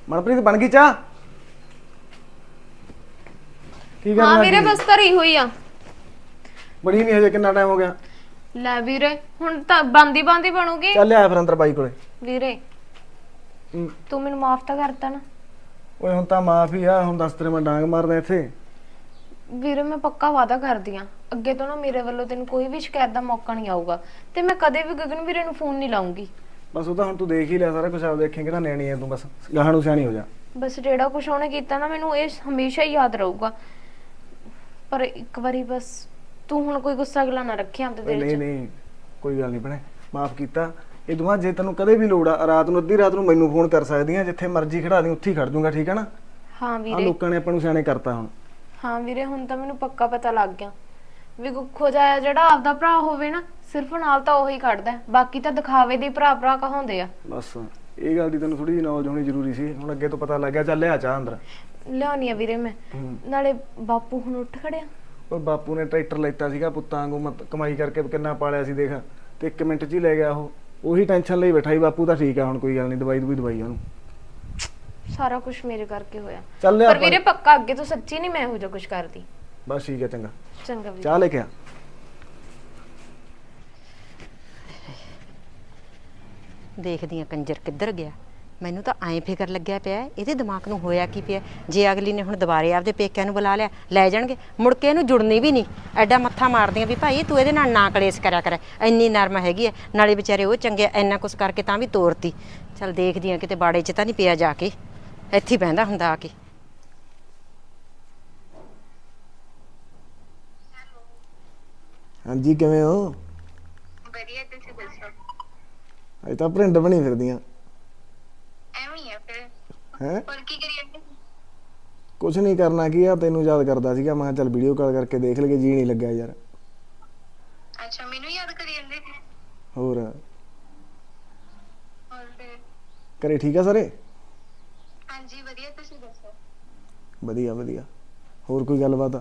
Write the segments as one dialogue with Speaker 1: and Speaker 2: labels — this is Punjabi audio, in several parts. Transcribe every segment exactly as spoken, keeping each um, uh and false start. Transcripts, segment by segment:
Speaker 1: ਮਨਪ੍ਰੀਤ ਬਣ ਗਈ ਚਾਹ? ਕੀ ਕਰਨਾ?
Speaker 2: ਹਾਂ ਵੀਰੇ ਬਸ ਧਰੀ ਹੋਈ ਆ।
Speaker 1: ਬਣੀ ਨਹੀਂ ਹਜੇ, ਕਿੰਨਾ ਟਾਈਮ ਹੋ ਗਿਆ?
Speaker 2: ਲੈ ਵੀਰੇ ਹੁਣ ਤਾਂ ਬੰਦੀ ਬੰਦੀ ਬਣੂਗੀ।
Speaker 1: ਚੱਲ ਆ ਫਿਰ ਅੰਦਰ ਬਾਈ ਕੋਲੇ।
Speaker 2: ਵੀਰੇ ਤੂੰ ਮੈਨੂੰ ਮਾਫ ਤਾਂ ਕਰਤਾ ਨਾ?
Speaker 1: ਓਏ ਹੁਣ ਤਾਂ ਮਾਫ ਹੀ ਆ, ਹੁਣ ਦੱਸ ਤੇਰੇ ਮੈਂ ਡਾਂਗ ਮਾਰਦਾ ਇੱਥੇ।
Speaker 2: ਵੀਰੇ ਮੈਂ ਪੱਕਾ ਵਾਅਦਾ ਕਰਦੀ ਆ, ਅੱਗੇ ਤੋਂ ਨਾ ਮੇਰੇ ਵੱਲੋਂ ਤੈਨੂੰ ਕੋਈ ਵੀ ਸ਼ਿਕਾਇਤ ਦਾ ਮੌਕਾ ਨਹੀਂ ਆਊਗਾ ਤੇ ਮੈਂ ਕਦੇ ਵੀ ਗਗਨ ਵੀਰੇ ਨੂੰ ਫੋਨ ਨਹੀਂ ਲਾਉਂਗੀ।
Speaker 1: ਬਸ ਉਹ ਤਾਂ ਹੁਣ ਤੂੰ ਦੇਖ ਹੀ ਲਿਆ ਸਾਰਾ ਕੁਝ, ਆਪ ਦੇਖੇਂਗੇ ਤਾਂ ਨਿਆਣੀ ਐ ਤੂੰ, ਬਸ ਗਾਹਾਂ ਨੂੰ ਸਿਆਣੀ ਹੋ ਜਾ।
Speaker 2: ਬਸ ਜਿਹੜਾ ਕੁਝ ਉਹਨੇ ਕੀਤਾ ਨਾ ਮੈਨੂੰ ਇਹ ਹਮੇਸ਼ਾ ਹੀ ਯਾਦ ਰਹੂਗਾ। ਪਰ ਇੱਕ ਵਾਰੀ ਬਸ ਤੂੰ ਹੁਣ ਕੋਈ ਗੁੱਸਾ ਗਿਲਾ ਨਾ ਰੱਖੀ ਆਪਦੇ ਦਿਲ 'ਚ।
Speaker 1: ਨਹੀਂ ਨਹੀਂ ਕੋਈ ਗੱਲ ਨਹੀਂ ਭੈਣੇ, ਮਾਫ ਕੀਤਾ। ਇਹ ਦੁਆ ਜੇ ਤੈਨੂੰ ਕਦੇ ਵੀ ਲੋੜ ਆ, ਰਾਤ ਨੂੰ ਅੱਧੀ ਰਾਤ ਨੂੰ ਮੈਨੂੰ ਫੋਨ ਕਰ ਸਕਦੀ ਆ, ਜਿੱਥੇ ਮਰਜ਼ੀ ਖੜਾ ਦੀ ਉੱਥੇ ਹੀ ਖੜ ਜਾਊਂਗਾ, ਠੀਕ ਹੈ ਨਾ?
Speaker 2: ਹਾਂ
Speaker 1: ਆ
Speaker 2: ਵੀਰੇ।
Speaker 1: ਲੋਕਾਂ ਨੇ ਆਪਾਂ ਨੂੰ ਸਿਆਣੇ ਕਰਤਾ ਹੁਣ।
Speaker 2: ਹਾਂ ਵੀਰੇ ਹੁਣ ਤਾਂ ਮੈਨੂੰ ਪੱਕਾ ਪਤਾ ਲੱਗ ਗਿਆ ਵੀ ਗੁੱਖੋ ਜਾਇਆ ਜਿਹੜਾ ਆਪਦਾ ਭਰਾ ਹੋਵੇ ਨਾ ਸਿਰਫ ਨਾਲ ਤਾਂ ਉਹੀ ਖੜਦਾ, ਬਾਕੀ ਤਾਂ ਦਿਖਾਵੇ ਦੇ ਭਰਾ ਭਰਾ ਕਹਾਉਂਦੇ ਆ।
Speaker 1: ਬਸ ਇਹ ਗੱਲ ਦੀ ਤੈਨੂੰ ਥੋੜੀ ਜਿਹੀ ਨੌਲੇਜ ਹੋਣੀ ਜ਼ਰੂਰੀ ਸੀ, ਹੁਣ ਅੱਗੇ ਤੋਂ ਪਤਾ ਲੱਗ ਗਿਆ। ਚੱਲ ਲਿਆ ਚਾਹ ਅੰਦਰ।
Speaker 2: ਲਿਆਉਣੀ ਆ ਵੀਰੇ ਮੈਂ। ਨਾਲੇ ਬਾਪੂ ਹੁਣ ਉੱਠ ਖੜਿਆ?
Speaker 1: ਉਹ ਬਾਪੂ ਨੇ ਟਰੈਕਟਰ ਲੈਤਾ ਸੀਗਾ ਪੁੱਤਾਂ ਵਾਂਗੂ, ਮਤ ਕਮਾਈ ਕਰਕੇ ਕਿੰਨਾ ਪਾਲਿਆ ਸੀ ਦੇਖ, ਤੇ ਇੱਕ ਮਿੰਟ 'ਚ ਹੀ ਲੈ ਗਿਆ ਉਹ। ਉਹੀ ਟੈਨਸ਼ਨ ਲਈ ਬੈਠਾ ਸੀ ਬਾਪੂ। ਤਾਂ ਠੀਕ ਆ ਹੁਣ, ਕੋਈ ਗੱਲ ਨਹੀਂ, ਦਵਾਈ ਦਵਾਈ ਦਵਾਈ ਉਹਨੂੰ।
Speaker 2: ਸਾਰਾ ਕੁਝ ਮੇਰੇ ਕਰਕੇ ਹੋਇਆ।
Speaker 1: ਚੱਲ ਲਿਆ
Speaker 2: ਪਰ ਵੀਰੇ ਪੱਕਾ ਅੱਗੇ ਤੋਂ ਸੱਚੀ ਨਹੀਂ ਮੈਂ ਇਹੋ ਜਿਹਾ ਕੁਝ ਕਰਦੀ।
Speaker 1: ਬਸ ਠੀਕ ਹੈ, ਚੰਗਾ
Speaker 2: ਚੰਗਾ ਵੀਰੇ।
Speaker 1: ਚਾਹ ਲੈ ਕੇ ਆ।
Speaker 3: ਦੇਖਦੀ ਆ ਕੰਜਰ ਕਿੱਧਰ ਗਿਆ। ਮੈਨੂੰ ਤਾਂ ਐਂ ਫਿਕਰ ਲੱਗਿਆ ਪਿਆ ਇਹਦੇ ਦਿਮਾਗ ਨੂੰ ਹੋਇਆ ਕੀ ਪਿਆ। ਜੇ ਅਗਲੀ ਨੇ ਹੁਣ ਦੁਬਾਰੇ ਆਪਦੇ ਪੇਕਿਆਂ ਨੂੰ ਬੁਲਾ ਲਿਆ, ਲੈ ਜਾਣਗੇ ਮੁੜ ਕੇ ਇਹਨੂੰ ਜੁੜਨੀ ਵੀ ਨਹੀਂ। ਐਡਾ ਮੱਥਾ ਮਾਰਦੀਆਂ ਵੀ ਭਾਈ ਤੂੰ ਇਹਦੇ ਨਾਲ ਨਾ ਕਲੇਸ਼ ਕਰਿਆ ਕਰ, ਇੰਨੀ ਨਰਮ ਹੈਗੀ ਐ। ਨਾਲੇ ਵਿਚਾਰੇ ਉਹ ਚੰਗੇ, ਇੰਨਾ ਕੁਛ ਕਰਕੇ ਤਾਂ ਵੀ ਤੋਰਤੀ। ਚੱਲ ਦੇਖਦੀ ਆ ਕਿਤੇ ਬਾੜੇ 'ਚ ਤਾਂ ਨਹੀਂ ਪਿਆ, ਜਾ ਕੇ ਇੱਥੇ ਹੀ ਬਹਿੰਦਾ ਹੁੰਦਾ ਆ ਕੇ।
Speaker 1: ਹਾਂਜੀ ਕਿਵੇਂ ਹੋ?
Speaker 4: ਵਧੀਆ, ਤੁਸੀਂ ਦੱਸੋ?
Speaker 1: ਅਜੇ ਤਾਂ ਭਰਿੰਡ ਬਣੀ ਫਿਰਦੀਆਂ।
Speaker 4: ਐਵੇਂ ਹੀ ਆ ਫਿਰ।
Speaker 1: ਹੈ
Speaker 4: ਹੋਰ ਕੀ ਕਰੀ ਜਾਂਦੇ?
Speaker 1: ਕੁਛ ਨਹੀਂ ਕਰਨਾ ਕੀ ਆ, ਤੈਨੂੰ ਯਾਦ ਕਰਦਾ ਸੀਗਾ, ਮੈਂ ਕਿਹਾ ਚੱਲ ਵੀਡੀਓ ਕਾਲ ਕਰਕੇ ਦੇਖ ਲਈਏ। ਜੀ ਨਹੀਂ ਲੱਗਿਆ ਯਾਰ।
Speaker 4: ਅੱਛਾ, ਮੈਨੂੰ ਯਾਦ ਕਰੀ ਜਾਂਦੇ ਸੀ?
Speaker 1: ਹੋਰ
Speaker 4: ਹੋਰ ਫਿਰ?
Speaker 1: ਘਰੇ ਠੀਕ ਆ ਸਾਰੇ?
Speaker 4: ਹਾਂਜੀ ਵਧੀਆ, ਤੁਸੀਂ ਦੱਸੋ?
Speaker 1: ਵਧੀਆ ਵਧੀਆ। ਹੋਰ ਕੋਈ ਗੱਲਬਾਤ?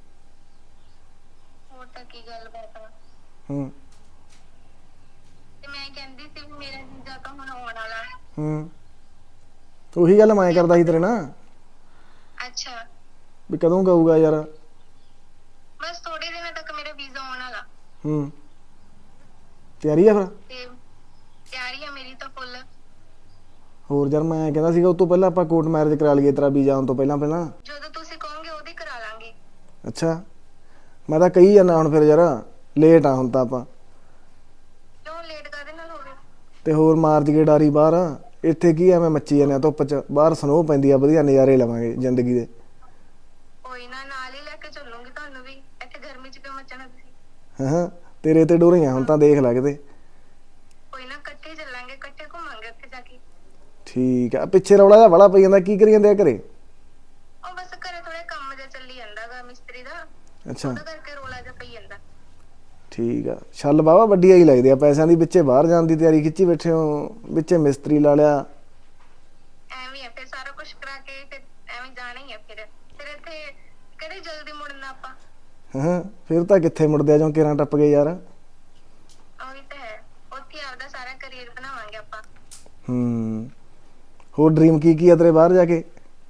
Speaker 4: ਹੋਰ ਤਾਂ ਕੀ ਗੱਲਬਾਤ ਆ।
Speaker 1: ਹੂੰ
Speaker 4: ਤੇ ਮੈਂ ਕਹਿੰਦੀ ਸੀ ਵੀ ਮੇਰਾ ਜੀਜਾ ਤਾਂ ਹੁਣ ਆਉਣ ਵਾਲਾ।
Speaker 1: ਹੂੰ ਉਹੀ ਗੱਲ ਮੈਂ ਕਰਦਾ ਸੀ ਤੇਰੇ ਨਾਲ,
Speaker 4: ਅੱਛਾ,
Speaker 1: ਵੀ ਕਦੋਂ ਗਾਊਗਾ ਯਾਰ।
Speaker 4: ਬਸ ਥੋੜੇ ਦਿਨਾਂ ਤੱਕ ਮੇਰਾ ਵੀਜ਼ਾ ਆਉਣ ਵਾਲਾ।
Speaker 1: ਹੂੰ ਤਿਆਰੀ ਆ ਫਿਰ?
Speaker 4: ਤੇ ਤਿਆਰੀ ਆ ਮੇਰੀ ਤਾਂ ਫੁੱਲ।
Speaker 1: ਹੋਰ ਯਾਰ ਮੈਂ ਕਹਿੰਦਾ ਸੀਗਾ ਉਸ ਤੋਂ ਪਹਿਲਾਂ ਆਪਾਂ ਕੋਰਟ ਮੈਰਿਜ ਕਰਾ ਲਈਏ, ਤੇਰਾ ਵੀਜ਼ਾ ਆਉਣ ਤੋਂ ਪਹਿਲਾਂ ਪਹਿਲਾਂ।
Speaker 4: ਜਦੋਂ ਤੁਸੀਂ ਕਹੋਗੇ ਉਹਦੀ ਕਰਾ ਲਾਂਗੇ।
Speaker 1: ਅੱਛਾ ਮੈਂ ਤਾਂ ਕਹੀ ਜਾਂਦਾ ਹੁਣ ਫਿਰ ਯਾਰ, ਲੇਟ ਆ ਹੁਣ ਤਾਂ ਆਪਾਂ।
Speaker 4: ਕਿਉਂ ਲੇਟ ਕਾਹਦੇ ਨਾਲ ਹੋ ਗਏ?
Speaker 1: ਤੇ ਹੋਰ ਮਾਰਚ ਗੇਟ ਆ ਰਹੀ ਬਾਹਰ, ਇੱਥੇ ਕੀ ਐਵੇਂ ਮੱਚੀ ਜਾਂਦੇ ਆ ਧੁੱਪ 'ਚ, ਬਾਹਰ ਸਨੋ ਪੈਂਦੀ ਆ, ਵਧੀਆ ਨਜ਼ਾਰੇ ਲਵਾਂਗੇ ਜ਼ਿੰਦਗੀ ਦੇ।
Speaker 4: ਕੋਈ ਨਾ, ਨਾਲ ਹੀ ਲੈ ਕੇ ਚੱਲੂੰਗੀ ਤੁਹਾਨੂੰ ਵੀ। ਇੱਥੇ ਗਰਮੀ 'ਚ ਕਿਉਂ ਮੱਚਣਾ ਤੁਸੀਂ?
Speaker 1: ਹਾਂ ਤੇਰੇ ਤੇ ਡੋਰੀਆਂ ਹੁਣ ਤਾਂ, ਦੇਖ ਲੈ ਕਿਤੇ।
Speaker 4: ਕੋਈ ਨਾ, ਇਕੱਠੇ ਚੱਲਾਂਗੇ, ਇਕੱਠੇ ਘੁੰਮਾਂਗੇ ਉੱਥੇ ਜਾ ਕੇ।
Speaker 1: ਠੀਕ ਆ। ਪਿੱਛੇ ਰੌਲਾ ਜਿਹਾ ਬੜਾ ਪਈ ਜਾਂਦਾ, ਕੀ ਕਰੀ ਜਾਂਦੇ ਆ ਘਰੇ?
Speaker 4: ਉਹ ਬਸ ਘਰੇ ਥੋੜਾ ਕੰਮ ਜਿਹਾ ਚੱਲੀ ਜਾਂਦਾਗਾ ਮਿਸਤਰੀ ਦਾ,
Speaker 1: ਅੱਛਾ
Speaker 4: ਉਹਦਾ ਕਰਕੇ ਰੋਲਾ ਜਿਹਾ ਪਈ ਜਾਂਦਾ।
Speaker 1: ਠੀਕ ਆ। ਛੱਲ ਬਾਵਾ ਵੱਡੀ ਆਈ ਲੱਗਦੀ ਆ ਪੈਸਿਆਂ ਦੀ, ਵਿੱਚੇ ਬਾਹਰ ਜਾਣ ਦੀ ਤਿਆਰੀ ਖਿੱਚੀ ਬੈਠੇ ਹੋ, ਵਿੱਚੇ ਮਿਸਤਰੀ ਲਾ ਲਿਆ।
Speaker 4: ਐਵੇਂ ਆ ਫਿਰ, ਸਾਰਾ ਕੁਝ ਕਰਾ ਕੇ ਫਿਰ ਐਵੇਂ ਜਾਣਾ ਹੀ ਆ। ਫਿਰ ਫਿਰ ਇੱਥੇ ਕਦੇ ਜਲਦੀ ਮੁੜਨਾ ਆਪਾਂ।
Speaker 1: ਹਾਂ ਫਿਰ ਤਾਂ ਕਿੱਥੇ ਮੁੜਦੇ ਆ, ਜੋ ਕਿਰਾਂ ਟੱਪ ਗਏ ਯਾਰ।
Speaker 4: ਉਹੀ ਤਾਂ ਹੈ, ਉੱਥੇ ਆਪਦਾ ਸਾਰਾ ਕਰੀਅਰ ਬਣਾਵਾਂਗੇ ਆਪਾਂ।
Speaker 1: ਹੂੰ ਹੋਰ ਡ੍ਰੀਮ ਕੀ ਕੀ ਆ ਤੇਰੇ ਬਾਹਰ ਜਾ ਕੇ?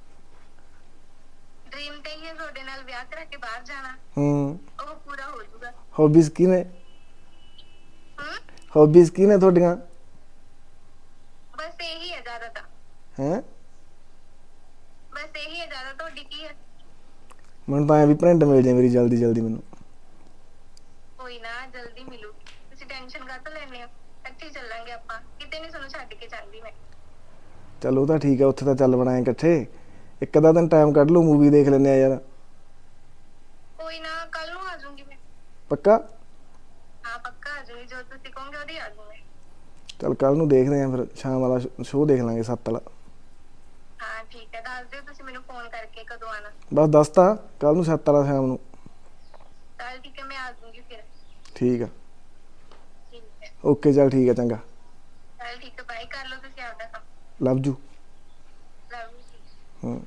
Speaker 4: ਡ੍ਰੀਮ ਤੇ ਹੀ ਹੈ ਤੁਹਾਡੇ ਨਾਲ ਵਿਆਹ ਕਰਾ ਕੇ ਬਾਹਰ ਜਾਣਾ।
Speaker 1: ਹੂੰ
Speaker 4: ਉਹ ਪੂਰਾ ਹੋ ਜਾਊਗਾ।
Speaker 1: ਹੌਬੀਜ਼ ਕੀ ਨੇ?
Speaker 4: ਹੂੰ
Speaker 1: ਹੌਬੀਜ਼ ਕੀ ਨੇ ਤੁਹਾਡੀਆਂ?
Speaker 4: ਬਸ ਇਹੀ ਹੈ ਜ਼ਿਆਦਾ ਤਾਂ।
Speaker 1: ਹੈ
Speaker 4: ਬਸ ਇਹੀ ਹੈ ਜ਼ਿਆਦਾ, ਤੁਹਾਡੀ ਕੀ ਹੈ?
Speaker 1: ਮੈਨੂੰ ਤਾਂ ਐ ਵੀ ਭਰਿੰਡ ਮਿਲ ਜਾਏ ਮੇਰੀ ਜਲਦੀ ਜਲਦੀ ਮੈਨੂੰ।
Speaker 4: ਕੋਈ ਨਾ, ਜਲਦੀ ਮਿਲੂ। ਤੁਸੀਂ ਟੈਨਸ਼ਨ ਕਾਹਤੋਂ ਲੈਂਦੇ ਹੋ? ਇਕੱਠੇ ਹੀ ਚੱਲਾਂਗੇ ਆਪਾਂ, ਕਿਤੇ ਨਹੀਂ ਤੁਹਾਨੂੰ ਛੱਡ ਕੇ ਜਾਂਦੀ ਮੈਂ।
Speaker 1: ਚਲੋ ਤਾਂ ਠੀਕ ਆ, ਉੱਥੇ ਤਾਂ ਚੱਲ ਬਣਾਏ ਇਕੱਠੇ। ਇੱਕ ਅੱਧਾ ਦਿਨ ਟਾਈਮ ਕੱਢ ਲਓ, ਮੂਵੀ ਦੇਖ ਲੈਂਦੇ ਆ ਯਾਰ।
Speaker 4: ਕੋਈ ਨਾ, ਕੱਲ ਨੂੰ ਆ ਜਾਊਂਗੀ ਮੈਂ।
Speaker 1: ਪੱਕਾ?
Speaker 4: ਹਾਂ ਪੱਕਾ ਆ ਜਾਊਂਗੀ, ਜੋ ਤੁਸੀਂ ਕਹੋਗੇ ਉਹਦੀ ਆ ਜਾਊਂ ਮੈਂ।
Speaker 1: ਚੱਲ ਕੱਲ ਨੂੰ ਦੇਖਦੇ ਆ ਫਿਰ, ਸ਼ਾਮ ਵਾਲਾ ਸ਼ੋਅ ਦੇਖ ਲਾਂਗੇ ਸੱਤ ਵਾਲਾ।
Speaker 4: ਹਾਂ ਠੀਕ ਹੈ, ਦੱਸ ਦਿਓ ਤੁਸੀਂ ਮੈਨੂੰ ਫੋਨ ਕਰਕੇ ਕਦੋਂ ਆਣਾ।
Speaker 1: ਬਸ ਦੱਸਤਾ, ਕੱਲ ਨੂੰ ਸੱਤ ਵਾਲਾ ਸ਼ਾਮ ਨੂੰ।
Speaker 4: ਚੱਲ ਠੀਕ ਹੈ, ਮੈਂ ਆ ਜਾਊਂਗੀ ਫਿਰ।
Speaker 1: ਠੀਕ ਆ
Speaker 4: ਠੀਕ ਹੈ,
Speaker 1: ਓਕੇ, ਚੱਲ ਠੀਕ ਆ, ਚੰਗਾ।
Speaker 4: ਚੱਲ ਠੀਕ ਹੈ, ਬਾਈ, ਕਰ ਲਓ ਤੁਸੀਂ ਆਪਦਾ ਕੰਮ।
Speaker 1: Love you.
Speaker 4: ਲਵ ਯੂ ਜੀ।
Speaker 1: ਹੂੰ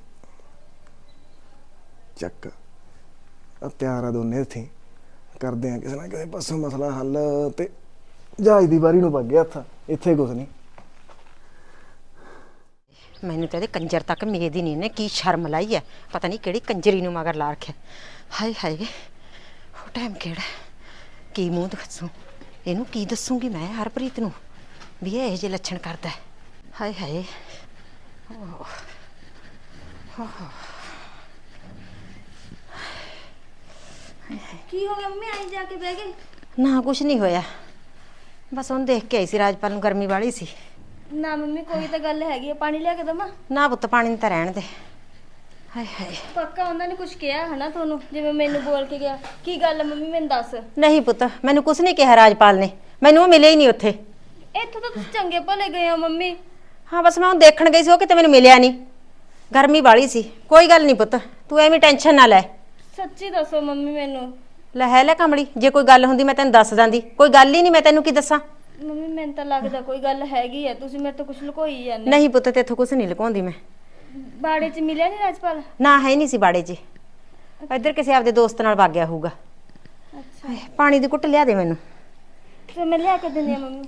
Speaker 1: ਚੱਕ ਆ, ਤਿਆਰ ਆ ਦੋਨੇ ਇੱਥੇ, ਕਰਦੇ ਆ ਕਿਸੇ ਨਾ ਕਿਸੇ ਪਾਸੋਂ ਮਸਲਾ ਹੱਲ। ਤੇ ਜਹਾਜ਼ ਦੀ ਵਾਰੀ ਨੂੰ ਪੱਗ ਗਿਆ ਹੱਥ, ਇੱਥੇ ਕੁਛ ਨਹੀਂ।
Speaker 3: ਮੈਨੂੰ ਤਾਂ ਇਹਦੇ ਕੰਜਰ ਤੱਕ ਮੇਦ ਹੀ ਨਹੀਂ, ਇਹਨੇ ਕੀ ਸ਼ਰਮ ਲਾਈ ਐ, ਪਤਾ ਨਹੀਂ ਕਿਹੜੀ ਕੰਜਰੀ ਨੂੰ ਮਗਰ ਲਾ ਰੱਖਿਆ। ਹਾਏ ਹਾਏ ਉਹ ਟਾਈਮ ਕਿਹੜਾ, ਕੀ ਮੂੰਹ ਦੱਸੂ ਇਹਨੂੰ, ਕੀ ਦੱਸੂਗੀ ਮੈਂ ਹਰਪ੍ਰੀਤ ਨੂੰ ਵੀ ਇਹ ਇਹੋ ਜਿਹੇ ਲੱਛਣ ਕਰਦਾ। ਹਾਏ ਹਾਏ
Speaker 5: ਕੀ ਹੋ ਗਿਆ ਮੰਮੀ, ਆਈ ਜਾ ਕੇ ਬਹਿ ਗਏ?
Speaker 3: ਨਾ ਕੁਛ ਨਹੀਂ ਹੋਇਆ, ਬਸ ਉਹਨੂੰ ਦੇਖ ਕੇ ਆਈ ਸੀ, ਰਾਜਪਾਲ ਨੂੰ ਗਰਮੀ ਵਾਲੀ ਸੀ।
Speaker 5: ਨਾ ਮੰਮੀ ਕੋਈ ਤਾਂ ਗੱਲ ਹੈਗੀ ਆ, ਪਾਣੀ ਲਿਆ ਕੇ ਦਵਾਂ?
Speaker 3: ਨਾ ਪੁੱਤ ਪਾਣੀ ਨੂੰ ਤਾਂ ਰਹਿਣ ਦੇ। ਹਾਏ ਹਾਏ
Speaker 5: ਪੱਕਾ ਉਹਨਾਂ ਨੇ ਕੁਝ ਕਿਹਾ ਹਨਾ ਤੁਹਾਨੂੰ, ਜਿਵੇਂ ਮੈਨੂੰ ਬੋਲ ਕੇ ਗਿਆ? ਕੀ ਗੱਲ ਆ ਮੰਮੀ ਮੈਨੂੰ ਦੱਸ।
Speaker 3: ਨਹੀਂ ਪੁੱਤ ਮੈਨੂੰ ਕੁਛ ਨਹੀਂ ਕਿਹਾ ਰਾਜਪਾਲ ਨੇ, ਮੈਨੂੰ ਉਹ ਮਿਲੇ ਹੀ ਨਹੀਂ ਉੱਥੇ।
Speaker 5: ਇੱਥੋਂ ਤਾਂ ਤੁਸੀਂ ਚੰਗੇ ਭਲੇ ਗਏ ਹੋ ਮੰਮੀ।
Speaker 3: ਹਾਂ ਬਸ ਮੈਂ ਉਹਨੂੰ ਦੇਖਣ ਗਈ ਸੀ, ਉਹ ਕਿਤੇ ਮੈਨੂੰ ਮਿਲਿਆ ਨਹੀਂ, ਗਰਮੀ ਵਾਲੀ ਸੀ। ਕੋਈ ਗੱਲ ਨਹੀਂ ਪੁੱਤ ਤੂੰ ਐਵੇਂ ਟੈਨਸ਼ਨ ਨਾ ਲੈ।
Speaker 5: ਸੱਚੀ ਦੱਸੋ ਮੰਮੀ ਮੈਨੂੰ।
Speaker 3: ਲੈ ਹੈ ਲੈ ਕਮਲੀ, ਜੇ ਕੋਈ ਗੱਲ ਹੁੰਦੀ ਮੈਂ ਤੈਨੂੰ ਦੱਸ ਦਾਂਦੀ, ਕੋਈ ਗੱਲ ਹੀ ਨਹੀਂ, ਮੈਂ ਤੈਨੂੰ ਕੀ ਦੱਸਾਂ।
Speaker 5: ਮੰਮੀ ਮੈਨੂੰ ਤਾਂ ਲੱਗਦਾ ਕੋਈ ਗੱਲ ਹੈਗੀ ਆ, ਤੁਸੀਂ ਮੇਰੇ ਤੋਂ ਕੁਝ ਲੁਕੋਈ ਜਾਂਦੇ।
Speaker 3: ਨਹੀਂ ਪੁੱਤ ਤੇਥੋਂ ਕੁਛ ਨਹੀਂ ਲੁਕਾਉਂਦੀ ਮੈਂ।
Speaker 5: ਬਾੜੇ 'ਚ ਮਿਲਿਆ ਨਹੀਂ ਰਾਜਪਾਲ?
Speaker 3: ਨਾ ਹੈ ਨਹੀਂ ਸੀ ਬਾੜੇ 'ਚ, ਇੱਧਰ ਕਿਸੇ ਆਪਦੇ ਦੋਸਤ ਨਾਲ ਵਗ ਗਿਆ ਹੋਊਗਾ।
Speaker 5: ਅੱਛਾ
Speaker 3: ਹਾਏ, ਪਾਣੀ ਦੀ ਘੁੱਟ ਲਿਆ ਦੇ ਮੈਨੂੰ।
Speaker 5: ਤੇ ਮੈਂ ਲਿਆ ਕੇ ਦਿੰਦੀ ਆ ਮੰਮੀ।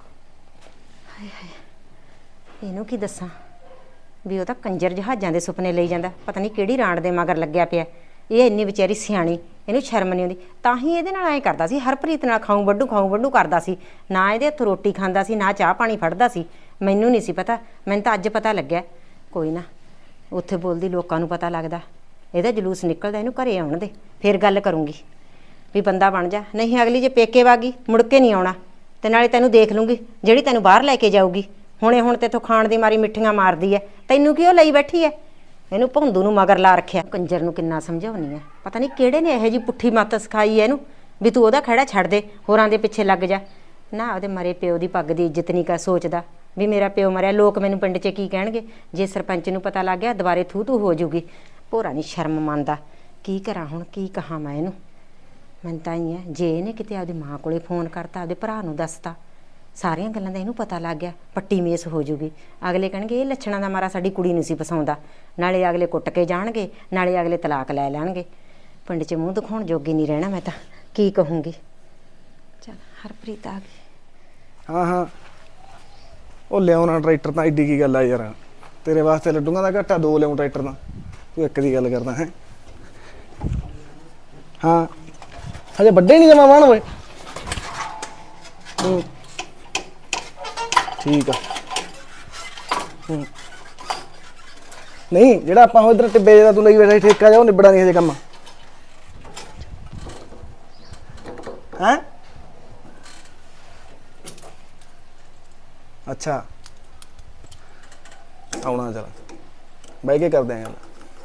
Speaker 3: ਇਹਨੂੰ ਕੀ ਦੱਸਾਂ ਵੀ ਉਹ ਤਾਂ ਕੰਜਰ ਜਹਾਜ਼ਾਂ ਦੇ ਸੁਪਨੇ ਲਈ ਜਾਂਦਾ, ਪਤਾ ਨਹੀਂ ਕਿਹੜੀ ਰਾਂਡ ਦੇ ਮਗਰ ਲੱਗਿਆ ਪਿਆ। ਇਹ ਇੰਨੀ ਵਿਚਾਰੀ ਸਿਆਣੀ, ਇਹਨੂੰ ਸ਼ਰਮ ਨਹੀਂ ਆਉਂਦੀ, ਤਾਂ ਹੀ ਇਹਦੇ ਨਾਲ ਐਂ ਕਰਦਾ ਸੀ, ਹਰਪ੍ਰੀਤ ਨਾਲ ਖਾਊ ਵੱਡੂ ਖਾਊ ਵੱਡੂ ਕਰਦਾ ਸੀ। ਨਾ ਇਹਦੇ ਹੱਥੋਂ ਰੋਟੀ ਖਾਂਦਾ ਸੀ, ਨਾ ਚਾਹ ਪਾਣੀ ਫੜਦਾ ਸੀ। ਮੈਨੂੰ ਨਹੀਂ ਸੀ ਪਤਾ, ਮੈਨੂੰ ਤਾਂ ਅੱਜ ਪਤਾ ਲੱਗਿਆ। ਕੋਈ ਨਾ, ਉੱਥੇ ਬੋਲਦੀ ਲੋਕਾਂ ਨੂੰ ਪਤਾ ਲੱਗਦਾ, ਇਹਦਾ ਜਲੂਸ ਨਿਕਲਦਾ, ਇਹਨੂੰ ਘਰੇ ਆਉਣ ਦੇ, ਫਿਰ ਗੱਲ ਕਰੂੰਗੀ ਵੀ ਬੰਦਾ ਬਣ ਜਾ। ਨਹੀਂ ਅਗਲੀ ਜੇ ਪੇਕੇ ਵਾਗੀ ਮੁੜ ਕੇ ਨਹੀਂ ਆਉਣਾ, ਤੇ ਨਾਲੇ ਤੈਨੂੰ ਦੇਖ ਲੂੰਗੀ ਜਿਹੜੀ ਤੈਨੂੰ ਬਾਹਰ ਲੈ ਕੇ ਜਾਊਗੀ। ਹੁਣੇ ਹੁਣ ਤੇਥੋਂ ਖਾਣ ਦੀ ਮਾਰੀ ਮਿੱਠੀਆਂ ਮਾਰਦੀ ਐ, ਤੈਨੂੰ ਕਿਉਂ ਲਈ ਬੈਠੀ ਐ? ਇਹਨੂੰ ਭੌਂਦੂ ਨੂੰ ਮਗਰ ਲਾ ਰੱਖਿਆ। ਕੰਜਰ ਨੂੰ ਕਿੰਨਾ ਸਮਝਾਉਣੀ ਐ, ਪਤਾ ਨਹੀਂ ਕਿਹੜੇ ਨੇ ਇਹੋ ਜਿਹੀ ਪੁੱਠੀ ਮੱਤ ਸਿਖਾਈ ਐ ਇਹਨੂੰ ਵੀ ਤੂੰ ਉਹਦਾ ਖਹਿੜਾ ਛੱਡ ਦੇ, ਹੋਰਾਂ ਦੇ ਪਿੱਛੇ ਲੱਗ ਜਾ। ਨਾ ਉਹਦੇ ਮਰੇ ਪਿਓ ਦੀ ਪੱਗ ਦੀ ਇੱਜ਼ਤ ਨਹੀਂ ਕਰ ਸੋਚਦਾ ਵੀ ਮੇਰਾ ਪਿਓ ਮਰਿਆ, ਲੋਕ ਮੈਨੂੰ ਪਿੰਡ 'ਚ ਕੀ ਕਹਿਣਗੇ? ਜੇ ਸਰਪੰਚ ਨੂੰ ਪਤਾ ਲੱਗ ਗਿਆ ਦੁਬਾਰੇ ਥੂ ਥੂ ਹੋ ਜੂਗੀ। ਭੋਰਾ ਨਹੀਂ ਸ਼ਰਮ ਮੰਨਦਾ। ਕੀ ਕਰਾਂ ਹੁਣ, ਕੀ ਕਹਾਂ ਮੈਂ ਇਹਨੂੰ? ਮੈਨੂੰ ਤਾਂ ਹੀ ਹੈ, ਜੇ ਇਹਨੇ ਕਿਤੇ ਆਪਦੀ ਮਾਂ ਕੋਲੇ ਫੋਨ ਕਰਤਾ, ਆਪਦੇ ਭਰਾ ਨੂੰ ਦੱਸਤਾ, ਸਾਰੀਆਂ ਗੱਲਾਂ ਦਾ ਇਹਨੂੰ ਪਤਾ ਲੱਗ ਗਿਆ, ਪੱਟੀ ਮੇਸ ਹੋ ਜੂਗੀ। ਅਗਲੇ ਕਹਿਣਗੇ ਇਹ ਲੱਛਣਾਂ ਦਾ ਮਾਰਾ ਸਾਡੀ ਕੁੜੀ ਨਹੀਂ ਸੀ ਪਸਾਉਂਦਾ, ਨਾਲੇ ਅਗਲੇ ਕੁੱਟ ਕੇ ਜਾਣਗੇ, ਨਾਲੇ ਅਗਲੇ ਤਲਾਕ ਲੈ ਲੈਣਗੇ। ਪਿੰਡ 'ਚ ਮੂੰਹ ਦਿਖਾਉਣ ਜੋਗੀ ਨਹੀਂ ਰਹਿਣਾ ਮੈਂ ਤਾਂ, ਕੀ ਕਹੂੰਗੀ? ਚਲ ਹਰਪ੍ਰੀਤ ਆ ਗਈ।
Speaker 1: ਹਾਂ ਹਾਂ ਉਹ ਲਿਆਉਣਾ ਟਰੈਕਟਰ ਤਾਂ ਐਡੀ ਕੀ ਗੱਲ ਆ ਯਾਰ, ਤੇਰੇ ਵਾਸਤੇ ਲੱਡੂਆਂ ਦਾ ਘਾਟਾ ਦੋ ਲਿਆਉਂ ਟਰੈਕਟਰ ਤਾਂ, ਤੂੰ ਇੱਕ ਦੀ ਗੱਲ ਕਰਦਾ ਹੈ। ਹਾਂ ਹਜੇ ਵੱਡੇ ਨਹੀਂ ਜਮਾ ਵਾਣ ਓਏ। ਹੂੰ ਠੀਕ ਆ। ਹੂੰ ਨਹੀਂ ਜਿਹੜਾ ਆਪਾਂ ਉਧਰ ਟਿੱਬੇ ਦਾ ਤੂੰ ਲਈ ਬੈਠਾ ਠੇਕਾ ਜਾ, ਉਹ ਨਿਬੜਾ ਨਹੀਂ ਹਜੇ ਕੰਮ ਹੈ। ਅੱਛਾ ਆਉਣਾ, ਚਲ ਬਹਿ ਕੇ ਕਰਦੇ ਆਂ ਗੱਲ।